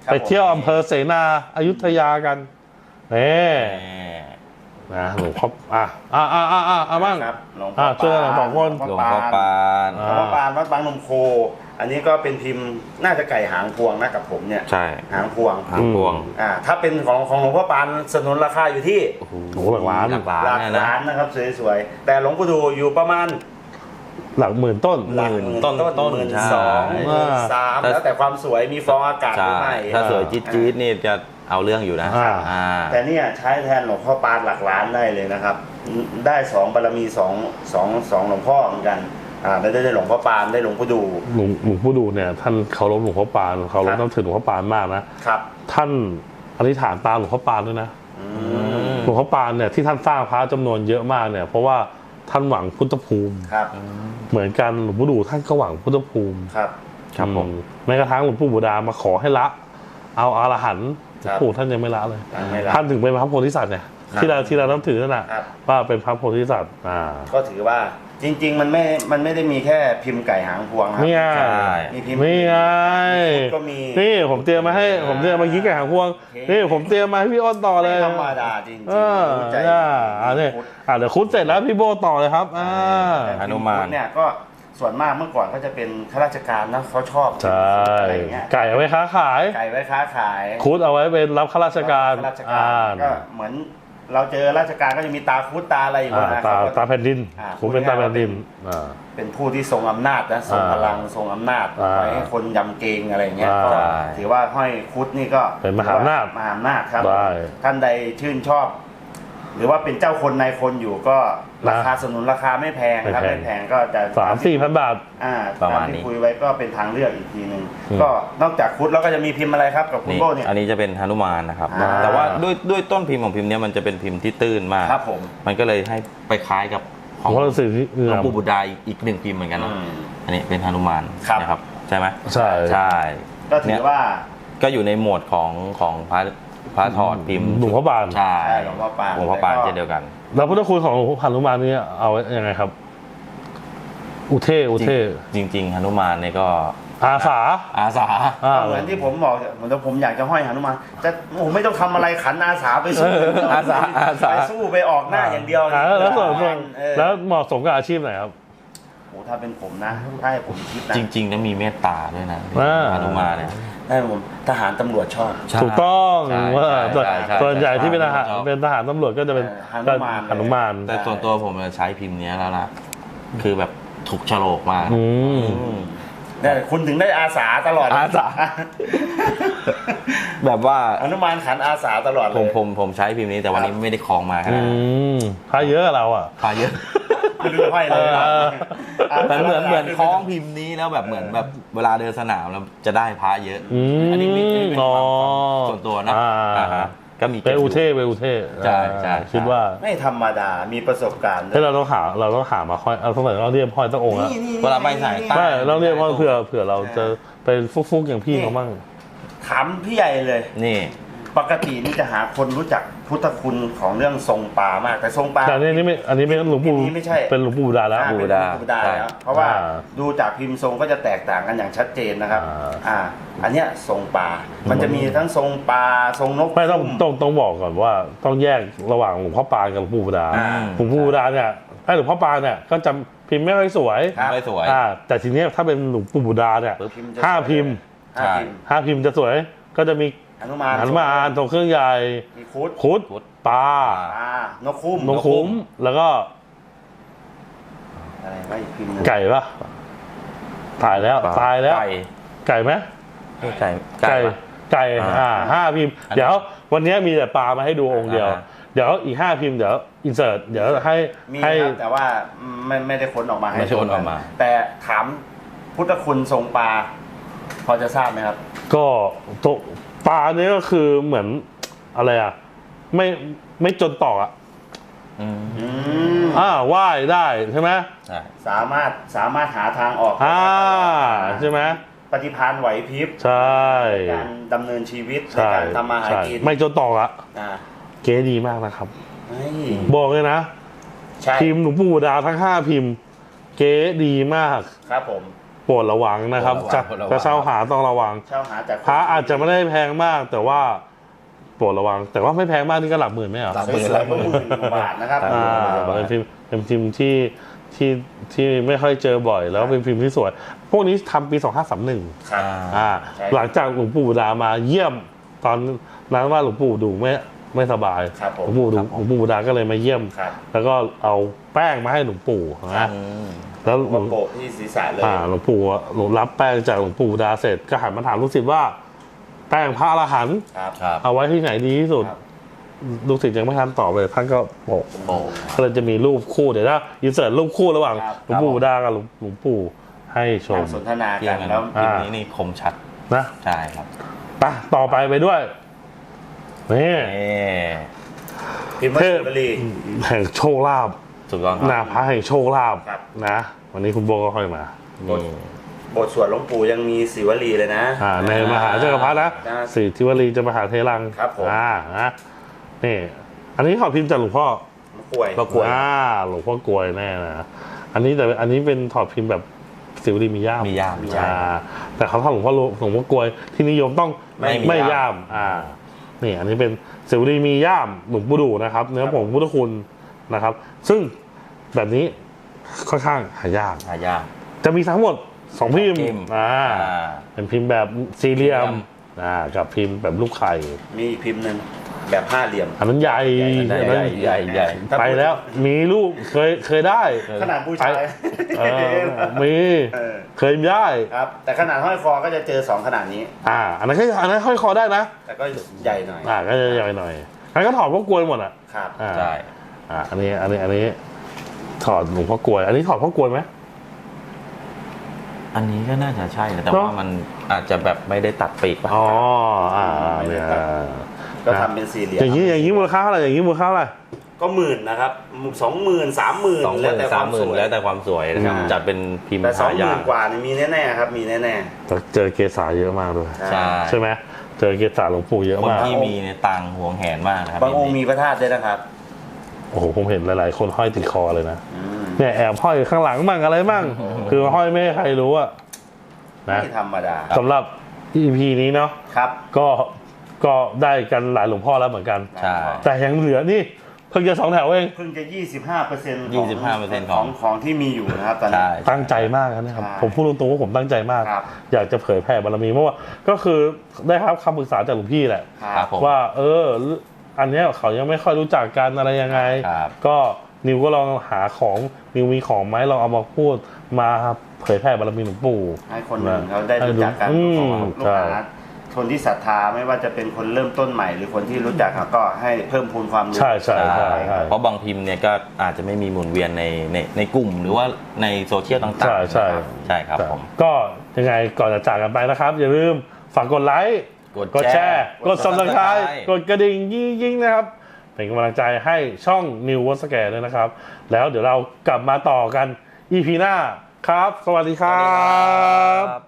Speaker 3: ครับ
Speaker 1: ไปเที่ยวอำเภอเสนาอยุธยากันนี่
Speaker 2: แหม
Speaker 1: นะหลวงพ่ออ่ะอ่ะอ่ะอ่ะอ่ะอ่ะบ้าง
Speaker 3: ครับหลวงพ่
Speaker 1: อ่ะ
Speaker 3: อ
Speaker 1: ช่วยกัน
Speaker 3: ปาน
Speaker 1: สองคน
Speaker 2: หลวงพ่อปาน
Speaker 1: อ่า
Speaker 3: หลวงพ่อปานวัดบางนมโค อันนี้ก็เป็นพิมพ์น่าจะไก่หางพวงนะกับผมเนี่ย
Speaker 2: ใช่
Speaker 3: หางพวง
Speaker 2: หางพวง
Speaker 3: อ่าถ้าเป็นของของหลวงพ่อปานสนุนราคาอยู่ที่
Speaker 2: โอ้โห
Speaker 1: โอ้โหหลักล้าน
Speaker 2: หลักล้าน
Speaker 3: หลัก
Speaker 2: เนี่ยนะ
Speaker 3: ล้านนะครับสวยๆแต่หลวงปู่ดูอยู่ประมาณ
Speaker 1: หลักหมื่นต้น
Speaker 2: หมื่นต้น
Speaker 3: ต้นหมื่น
Speaker 2: ใช่
Speaker 3: สองหมื่นสาม
Speaker 2: ถ้า
Speaker 3: แล้วแต่ความสวยมีฟองอากาศห
Speaker 2: ใช่
Speaker 3: รือไม่
Speaker 2: ถ้าสวยจี๊ดจี๊ดนี่จะเอาเรื่องอยู่นะ
Speaker 1: อ่า
Speaker 2: อ่า
Speaker 3: แต่เนี่ยใช้แทนหลวงพ่อปานหลักล้านได้เลยนะครับ ได้สองบารมีสองสองสองหลวงพ่อเหมือนกันอ่าได้ได้หลวงพ่อปานได้หลวงปู่ดู
Speaker 1: หลวงหลวงพ่อดูเนี่ยท่านเคารพหลวงพ่อปานเคารพ
Speaker 3: ครับ
Speaker 1: นับถือหลวงพ่อปานมากนะครับ ท่านอธิษฐานตามหลวงพ่อปานด้วยนะ
Speaker 3: อืม
Speaker 1: หลวงพ่อปานเนี่ยที่ท่านสร้างพระจำนวนเยอะมากเนี่ยเพราะว่าท่านหวังพุทธภูมิ
Speaker 3: ครับ
Speaker 1: เหมือนกันหลวงพ่อดูท่านก็หวังพุทธภูมิ
Speaker 3: ครับ
Speaker 2: ครับผม
Speaker 1: อืแม้กระทั่งหลวงปู่บูดามาขอให้ละ เอาอรหันต์หลวงปู่ท่านยังไม่ละเลย
Speaker 3: ยังไม่ละ
Speaker 1: ท่านถึงเป็นพระโพธิสัตว์เนี่ย
Speaker 3: ครับ
Speaker 1: ที่เราที่เรานับถือนั่นแหละ
Speaker 3: ครับ
Speaker 1: ว่าเป็นพระโพธิสัตว์อ่า
Speaker 3: ก็ถือว่าจริง ๆ มันไม่ มันไม่ได้มีแค่พิมพ์ไก่หางพวงครับ
Speaker 1: นี่ไง
Speaker 2: ใช่
Speaker 3: มีพิมพ์
Speaker 1: นี่ไง
Speaker 3: ก็มี
Speaker 1: นี่ผมเตรียมมาให้ ผมเตรียมมากี้ไก่หางพวง
Speaker 3: โอเค
Speaker 1: นี่ผมเตรียมมาให้พี่อ้นต่อเลย
Speaker 3: ไม่ธรรมดาจริงๆ
Speaker 1: เออ
Speaker 3: รู้ใจ
Speaker 1: อ่าอ่าเนี่ยอ่าเดี๋ยวคุดเสร็จแล้วพี่โบต่อเลยครับอ่า
Speaker 3: แต่
Speaker 2: หนุมาน
Speaker 3: พิพ์เนี่ยก็ส่วนมากเมื่อก่อนก็จะเป็นข้าราชการนะเขาชอบ
Speaker 1: ใช่
Speaker 3: อะไรอย่างเงี้ย
Speaker 1: ไก่เอาไว้ค้าขาย
Speaker 3: ไก่ไว้ค้าขาย
Speaker 1: คุดเอาไว้เป็นรับข้าราชการ
Speaker 3: ข้าราช
Speaker 1: อ่า
Speaker 3: การก็เหมือนเราเจอราชการก็จะมีตาคุดตาอะไรอยู่
Speaker 1: อ่า
Speaker 3: นะ
Speaker 1: ตา
Speaker 3: เขาก็
Speaker 1: ตาแผ่นดิน
Speaker 3: อ่า
Speaker 1: คุดเป็นตาแผ่นดินอ่า
Speaker 3: เป็นผู้ที่ทรงอำนาจนะทรง
Speaker 1: อ่า
Speaker 3: พลังทรงอำนาจ
Speaker 1: อ่า
Speaker 3: ไว้ให้คนยำเกรงอะไรเงี้ย
Speaker 1: อ่า
Speaker 3: ก็ถือว่าห้อยคุดนี่ก็
Speaker 1: เป็นมหาอำนาจ
Speaker 3: มหาอำนาจครับ
Speaker 1: ได้
Speaker 3: ท่านใดชื่นชอบ หรือว่าเป็นเจ้าคนนายคนอยู่ก็ราคาสนุนราคาไม่แพงครับ
Speaker 1: ไม่
Speaker 3: ไม่
Speaker 1: แพ
Speaker 3: แพ
Speaker 1: ง
Speaker 3: งก็จะ
Speaker 1: สามสี่พันบาท
Speaker 3: อ่า
Speaker 2: ประมาณ
Speaker 3: ตที่
Speaker 2: นี้
Speaker 3: คุยไว้ก็เป็นทางเลือกอีกทีหนึ่ง
Speaker 1: อืม
Speaker 3: ก็นอกจากคุดแล้วก็จะมีพิมพ์อะไรครับกับคุณ
Speaker 2: นี่
Speaker 3: โบเนี่ย
Speaker 2: อันนี้จะเป็นหนุมานนะครับ
Speaker 3: อ่า
Speaker 2: แต่ว่าด้วยด้วยต้นพิมพ์ของพิมพ์เนี้ยมันจะเป็นพิมพ์ที่ตื้นมาก
Speaker 3: ครับผม
Speaker 2: มันก็เลยให้ไปคล้ายกับข
Speaker 1: ข
Speaker 2: อ
Speaker 1: อง งเราสื่อที่
Speaker 2: หลวงปู่บุตรดาอีกหนึ่งพิมพ์เหมือนกันเนอะ
Speaker 3: อืม
Speaker 2: อันนี้เป็นหนุมาน
Speaker 3: ครับ
Speaker 2: นะครับใช่ไหม
Speaker 1: ใช่
Speaker 2: ใช่
Speaker 3: ก็ถือว่า
Speaker 2: ก็อยู่ในหมวดของของพระพระถอดพิมพ์
Speaker 1: หลวงพ่อบาน
Speaker 2: ใช่
Speaker 3: ใช่หลวงพ่อปาน
Speaker 2: หลวงพ่อปาน
Speaker 3: แล้วก็
Speaker 2: เช่นเดียวกัน
Speaker 1: แล้วพุทธคุณของหลวงพ่อพันธุมานนี่เอาไว้ยังไงครับ อุเทอุเท
Speaker 2: จริงจริงๆหนุมานเนี่ยก็
Speaker 1: อาสา
Speaker 2: อาสา
Speaker 1: อ่า
Speaker 3: เหมือนที่ผมบอกเหมือนที่ผมอยากจะห้อยหนุมานจะโอ้โหไม่ต้องทำอะไรขันอาสาไปสู้
Speaker 2: อาสาอาสา
Speaker 3: ไปสู้ไปออกหน้าอย่างเดียว
Speaker 1: อ่าแล้วส่วนส่วน
Speaker 3: เออ
Speaker 1: แล้วเหมาะสมกับอาชีพไหนครับ
Speaker 3: โอ้ถ้าเป็นผมนะถ้าให้ผมคิดนะ
Speaker 2: จริงๆแล้วมีเมตตาด้วยนะ
Speaker 1: อ่า
Speaker 2: หนุมานเนี่ย
Speaker 3: ได้ผมทหารตำรวจชอบ
Speaker 2: ใช่
Speaker 1: ถูกต้อง
Speaker 2: ใช่
Speaker 1: ว่า
Speaker 2: ใช่ใช่ใช่
Speaker 1: ส่วนใหญ่ที่เป็นทหาร
Speaker 2: ใช่
Speaker 1: เป็นทหารตำรวจก็จะเป็น
Speaker 3: เออหนุมานเลย
Speaker 1: หนุมาน
Speaker 2: แต่ส่วนตัวผมเนี่ยใช้พิมพ์เนี้ยแล้วนะคือแบบถูกโฉลกมาก
Speaker 1: อืม
Speaker 2: อืม
Speaker 3: เนี่ยคุณถึงได้อาสาตลอด
Speaker 2: อาสา แบบว่า
Speaker 3: อนุมานขันอาสาตลอดเล
Speaker 2: ผม
Speaker 3: ย
Speaker 2: ผมผมใช้พิมพ์นี้แต่วันนี้ไม่ได้คลองมาข
Speaker 1: อื
Speaker 2: นาดนั้น
Speaker 1: มพาเยอะเราอ่ะ
Speaker 2: พาเยอะ
Speaker 3: ไม่รู้จะห้อยอะไรนะ
Speaker 1: เออ
Speaker 2: เหมือนเหมือนเหมือนคล้องพิมพ์นี้แล้วแบบเหมือนแบบเวลาเดินสนามแล้วจะได้พระเยอะ
Speaker 1: อืม
Speaker 2: อันนี้มีเป็น
Speaker 1: อ๋อ
Speaker 2: ความส่วนตัวนะ
Speaker 1: อ่า
Speaker 2: อ่าฮะก็มี
Speaker 1: เป็นอุเทเป็นอุเท
Speaker 2: ใช่ใช่
Speaker 1: อ่าคิดว่า
Speaker 3: ไม่ธรรมดา มีประสบการณ์
Speaker 1: ให้เราต้องหาเราต้องหามาห้อยเอาสมัยเราเรียกห้อยตั้งองค์แล้ว
Speaker 3: นี่นี่
Speaker 2: เวลาไปสายใต้
Speaker 1: ไม่เราเรียกว่าเผื่อเผื่อเราจะเป็นฟุกๆอย่างพี่เขาบ้าง
Speaker 3: ถามพี่ใหญ่เลย
Speaker 2: นี่
Speaker 3: ปกตินี่จะหาคนรู้จักพุทธคุณของเรื่องทรงปลามาก แต่ทรงปลา
Speaker 1: แต่อันนี้นี่ไม่อันนี้เป็นหลวงปู่
Speaker 3: อันนี้ไม่ใช่
Speaker 1: เป็นหลวงปู่บูดาแล้ว
Speaker 3: อ่าเป็นหลวงปู่บุดาแล้วเพราะว่า
Speaker 1: อ่า
Speaker 3: ดูจากพิมพ์ทรงก็จะแตกต่างกันอย่างชัดเจนนะครับ
Speaker 1: อ่า
Speaker 3: อ่า อันเนี้ยทรงปลา มันจะมีทั้งทรงปลาทรงนก
Speaker 1: ไม่ต้อง
Speaker 3: คุ้ม
Speaker 1: ต้องต้องบอกก่อนว่าต้องแยกระหว่างหลวงพ่อปานกับหลวงปู่บูดา
Speaker 3: อ่า
Speaker 1: หลวงปู่บูดาเนี่ยถ้าหลวงพ่อปานเนี่ยก็จะพิมพ์ไม่ค่อยสวย
Speaker 3: ครับ
Speaker 2: ไม่สวย
Speaker 1: อ่าแต่ทีเนี้ยถ้าเป็นหลวงปู่บูดาเนี่ย
Speaker 2: ปึ๊บ
Speaker 3: พิมพ์จะ
Speaker 1: ห้า
Speaker 3: สวย
Speaker 1: พิมพ์
Speaker 3: ห้า
Speaker 2: ใช่
Speaker 3: พิมพ์
Speaker 1: ห้าพิมพ์จะสวยก็จะมี
Speaker 3: หนุมาน
Speaker 1: หันมาอ่านตรงเครื่องใหญ่
Speaker 3: มีคุด
Speaker 1: คุด
Speaker 2: คุด
Speaker 1: ปลา
Speaker 3: ปลานกคุ้ม
Speaker 1: นกคุ้มแล้วก็
Speaker 3: อะไรวะอีกพิมพ์หนึง
Speaker 1: ไก่ปะตายแล้วตายแล้ว
Speaker 2: ไก่
Speaker 1: ไก่ไหม
Speaker 2: เอ้ยไก่
Speaker 1: ไก่
Speaker 2: ปะ
Speaker 1: ไก่
Speaker 2: อ่า
Speaker 1: อ่าห้าพิมพ์
Speaker 2: อันนี้
Speaker 1: เดี๋ยววันนี้มีแต่ปลามาให้ดูองค์เดียว
Speaker 2: อ่า
Speaker 1: เดี๋ยวอีกห้าพิมพ์เดี๋ยวอินเสิร์ตเดี๋ยวให้
Speaker 3: มี
Speaker 1: ให้
Speaker 3: ครับแต่ว่าไม่ไม่ได้ค้นออกมาให้
Speaker 2: ไม่ใช่คนออกมา
Speaker 3: แต่ถามพุทธคุณทรงปลา พอจะทราบไหมครับ
Speaker 1: ก็ตกปลาเนี่ยก็คือเหมือนอะไรอ่ะไม่ไม่จนตอกอ่ะ
Speaker 2: อืม
Speaker 3: อืม
Speaker 1: อ่าว่ายได้ใช่ไหม
Speaker 2: ใช่
Speaker 3: สามารถสามารถหาทางออก
Speaker 1: อ่าใช่ไหม
Speaker 3: ปฏิภาณไหวพริบ
Speaker 1: ใช่
Speaker 3: ในการดำเนินชีวิตใน
Speaker 1: ใช่
Speaker 3: การทำมาหา
Speaker 1: ใช่
Speaker 3: กิน
Speaker 1: ไม่จนตอกอ่ะ
Speaker 3: อ่า
Speaker 1: เก๋ดีมากนะครับ
Speaker 3: เฮ้ย
Speaker 1: บอกเลยนะ
Speaker 3: ใช่
Speaker 1: พิมพ์หลวงปู่ดาทั้งห้าพิมพ์ เก๋ดีมาก
Speaker 3: ครับผม
Speaker 1: อโปรดระวังนะครับ
Speaker 2: โปรด
Speaker 1: จะ
Speaker 2: ระวังโปรดระวัง
Speaker 1: จะเช่าหาต้องระวัง
Speaker 3: เช่าหาจากคน
Speaker 1: พระอาจจะไม่ได้แพงมากแต่ว่าโปรดระวัง แต่ว่าไม่แพงมากนี่ก็หลักหมื่นไม่เหรอ
Speaker 2: หลัก
Speaker 3: สวยๆก็หมื่นกว่าบาทนะครับ
Speaker 1: อ่าเป็นพิมพ์เป็นพิมพ์ที่ที่ที่ไม่ค่อยเจอบ่อย แล้วเป็นพิมพ์ที่สวย พวกนี้ทำปีสองห้าสามหนึ่ง
Speaker 3: ครับ
Speaker 1: อ่า
Speaker 3: ใช่
Speaker 1: หลังจากหลวงปู่บุดามาเยี่ยมตอนนั้นว่าหลวงปู่ดูไม่ไม่สบาย
Speaker 3: ครับผม
Speaker 1: หลวงปู่ดูหลวงปู่บุดาก็เลยมาเยี่ยม
Speaker 3: ครับ
Speaker 1: แล้วก็เอาแป้งมาให้หลวงปู่นะ
Speaker 2: อืม
Speaker 1: แล้วหลว
Speaker 3: มาง โปะที่ศีรษะเลย
Speaker 1: อ่าหลวงปู่หลวงรับแป้งจากหลวงปู่บุดาเสร็จก็หันมาถามลูกศิษย์ว่า แป้งพระอรหันต์
Speaker 3: ครับ
Speaker 2: ครับ
Speaker 1: เอาไว้ที่ไหนดีที่สุด
Speaker 3: ครับ
Speaker 1: ลูกศิษย์ยังไม่ทันตอบเลยท่านก็โปะ
Speaker 2: โอ้
Speaker 1: ก็เลยจะมีรูปคู่เดี๋ยวถ้าอินเสิร์ตรูปคู่ระหว่าง
Speaker 3: ครับ
Speaker 1: หลวงปู่บุดากับหลวงหลวงปู่ให้ชม
Speaker 3: นั่งสนทนา
Speaker 2: เที่
Speaker 3: กั
Speaker 2: ย
Speaker 3: น
Speaker 2: งกัน
Speaker 3: แล้ว
Speaker 2: พิมพ์นี้นี่คมชัด
Speaker 1: นะ
Speaker 2: ใช่ครับ
Speaker 1: ไปต่อไปไปด้วยนี่
Speaker 2: นี่
Speaker 3: พิมพ์ว่า
Speaker 1: เท
Speaker 3: สิ
Speaker 1: พ
Speaker 3: วลี
Speaker 1: แห่งโชคลาภ
Speaker 2: ถูกต้องค
Speaker 1: นา
Speaker 2: รับ
Speaker 1: พระแห่งโชคลาภ
Speaker 3: ครับ
Speaker 1: นะ วันนี้คุณโบก็ค่อยมา
Speaker 2: นี่
Speaker 3: บทสวดหลวงปู่ยังมีศิวลีเลยนะ
Speaker 1: อ่าในมหาจักรพรรดินะ
Speaker 3: นะ
Speaker 1: สิทธิวลีจะมหาเทรัง
Speaker 3: ครับผม
Speaker 1: อ่านะนี่อันนี้ขอพิมพ์จากหลวงพ่อ
Speaker 3: ป่วย
Speaker 2: ก็กล้วย
Speaker 1: อ่าหลวงพ่อกลวยแน่นะอันนี้แต่อันนี้เป็นถอดพิมพ์แบบสิวลีมีย่าม
Speaker 2: มีย่าม
Speaker 1: อ่าแต่เขาทำหลวงพ่อหลวงพ่อกลวยที่นิยมต้อง
Speaker 2: ไม่มี
Speaker 1: ไม่
Speaker 2: ย่าม
Speaker 1: ย่ามอ่านี่อันนี้เป็นสิวลีมีย่ามหลวงปู่ดูนะครับ เนื้อผงพุทธคุณนะครับ ซึ่งแบบนี้ค่อนข้างหายาก
Speaker 2: หายาก
Speaker 1: จะมีทั้งหมดสองพิมพ์
Speaker 2: พิมพ์
Speaker 1: อ่า
Speaker 2: อ่า
Speaker 1: เป็นพิมพ์แบบสี่เหลี่ยม
Speaker 2: สี่เหลี่ยม
Speaker 1: อ่ากับพิมพ์แบบลูกไข่
Speaker 3: มีอีกพิมพ์หนึ่งแบบห้าเหลี่ยม
Speaker 1: อันนั้นใหญ่
Speaker 2: ใหญ่
Speaker 1: อัน
Speaker 2: ให
Speaker 1: นั้
Speaker 2: ญ่
Speaker 1: น
Speaker 2: ใหญ่ใหญ่
Speaker 1: ไปแล้วมีลูกเคยเคยได้
Speaker 3: ขนาดผู้ชาย
Speaker 1: เออมี
Speaker 3: เออ
Speaker 1: เคยได้
Speaker 3: ครับ แต่ขนาดห้อยคอก็จะเจอสองขนาดนี้
Speaker 1: อ่า อันนั้นก็อันนั้นห้อยคอได้นะ
Speaker 3: แต่ก็ใหญ่หน่อย
Speaker 1: อ่าก็จะใหญ่หน่อยอันนั้นก็ถอดพวกกลวยหมดอ่ะ
Speaker 3: ครับ
Speaker 1: อ่า
Speaker 2: ใช่
Speaker 1: อ่าอันนี้อันนี้อันนี้ถอดหลวงพ่อกลวย อันนี้ถอดพ่อกลวยไหม
Speaker 2: อันนี้ก็น่าจะใช่นะแต่
Speaker 1: เนอะ
Speaker 2: ว่ามันอาจจะแบบไม่ได้ตัดปีกป่ะ
Speaker 1: อ๋ออ่าเนี่ย
Speaker 3: ก็ทำเป็นสี่เหลี่ยม
Speaker 1: อย่างนี้อย่างนี้มูลค่าเท่าไหร่อย่างนี้มูลค่าเท่าไหร่
Speaker 3: ก็หมื่นนะครับสองหมื่นสามหมื่น
Speaker 2: สองห
Speaker 3: แล้ว
Speaker 2: มื่น
Speaker 3: แต่คาม
Speaker 2: สาวมห
Speaker 3: ส
Speaker 2: มื่น
Speaker 3: วย
Speaker 2: แล้วแต่ความสวยนะครับ
Speaker 1: อืม
Speaker 2: จัดเป็นพิมพ์
Speaker 3: แต่สอง
Speaker 2: หา
Speaker 3: ห
Speaker 2: ยา
Speaker 3: มื่
Speaker 2: ก
Speaker 3: นกว่านี่มีแน่ๆครับมีแน่
Speaker 1: เจอเกษาเยอะมากด้วย
Speaker 3: ๆ
Speaker 2: ใช่
Speaker 1: ใช่ไหมเจอเกษาหลวงปู่เยอะ
Speaker 2: คน
Speaker 1: มาก
Speaker 2: ที่มีเนี่ยตังค์หวงแหนมากนะครับ
Speaker 3: บางองค์มีพระธาตุด้วยนะครับ
Speaker 1: โอ้โหผมเห็นหลายๆ คนห้อยติดคอเลยนะ
Speaker 3: อืม
Speaker 1: เนี่ยแอบห้อยข้างหลังมั่งอะไรมั่งคือห้อยไม่ให้ใครรู้อะนะ
Speaker 3: ไม่ธรรมดา
Speaker 1: สำหรับ อี พี นี้เนาะ
Speaker 3: ครับ
Speaker 1: ก็ก็ได้กันหลายหลวงพ่อแล้วเหมือนกัน
Speaker 2: ใช่
Speaker 1: แต่ยังเหลือนี่เพิ่งจะสองแถวเอง
Speaker 3: เพิ่งจะ ยี่สิบห้าเปอร์เซ็นต์
Speaker 2: ยี่สิบห้าเปอร์เซ็นต์
Speaker 3: ข
Speaker 2: ข
Speaker 3: อ
Speaker 2: อง ง
Speaker 3: ของที่มีอยู่นะครับตอนนี้
Speaker 2: ใช่
Speaker 1: ตั้งใจมากนะครับ
Speaker 3: ใช่
Speaker 1: ผมพูดตรงๆว่าผมตั้งใจมาก
Speaker 3: ครับ
Speaker 1: อยากจะเผยแผ่บารมีเพราะว่าก็คือได้รับคำปรึกษาจากหลวงพี่แหละ
Speaker 2: ครับผม
Speaker 1: ว่าเอออันเนี้ยเขายังไม่ค่อยรู้จักกันอะไรยังไง
Speaker 2: ครับ
Speaker 1: ก็นิวก็ลองหาของนิวมีของไหมลองเอามาพูดมาเผยแผ่บารมีหลวงปู่
Speaker 3: ให้คนอื่นเขาได้รู้จักกัน
Speaker 1: อืม
Speaker 3: ของลูก
Speaker 1: ใช่
Speaker 3: หาคนที่ศรัทธาไม่ว่าจะเป็นคนเริ่มต้นใหม่ หรือคนที่รู้จักเขาก็ให้เพิ่มพูนความรู้
Speaker 1: ใช่ใช่ใช่ใช่
Speaker 2: เพราะบางพิมพ์เนี่ยก็อาจจะไม่มีหมุนเวียนในในในกลุ่ม หรือว่าในโซเชียลต่างๆ
Speaker 1: ใช่ใช่
Speaker 2: นะครับใช่ครับผม
Speaker 1: ก็ยังไงก่อนจะจากกันไปนะครับ อย่าลืมฝากกดไลค์
Speaker 2: กด
Speaker 1: กดแชร์ กด
Speaker 2: กด
Speaker 1: ซับสไคร
Speaker 2: Subscribe
Speaker 1: ต์กดกระดิ่งยิ่งๆนะครับ เป็นกำลังใจให้ช่อง New w o r d Square ด้วยนะครับ แล้วเดี๋ยวเรากลับมาต่อกัน อี พี หน้าครับ สวัสดีครั
Speaker 2: สวัสดี
Speaker 1: บ
Speaker 2: ครับ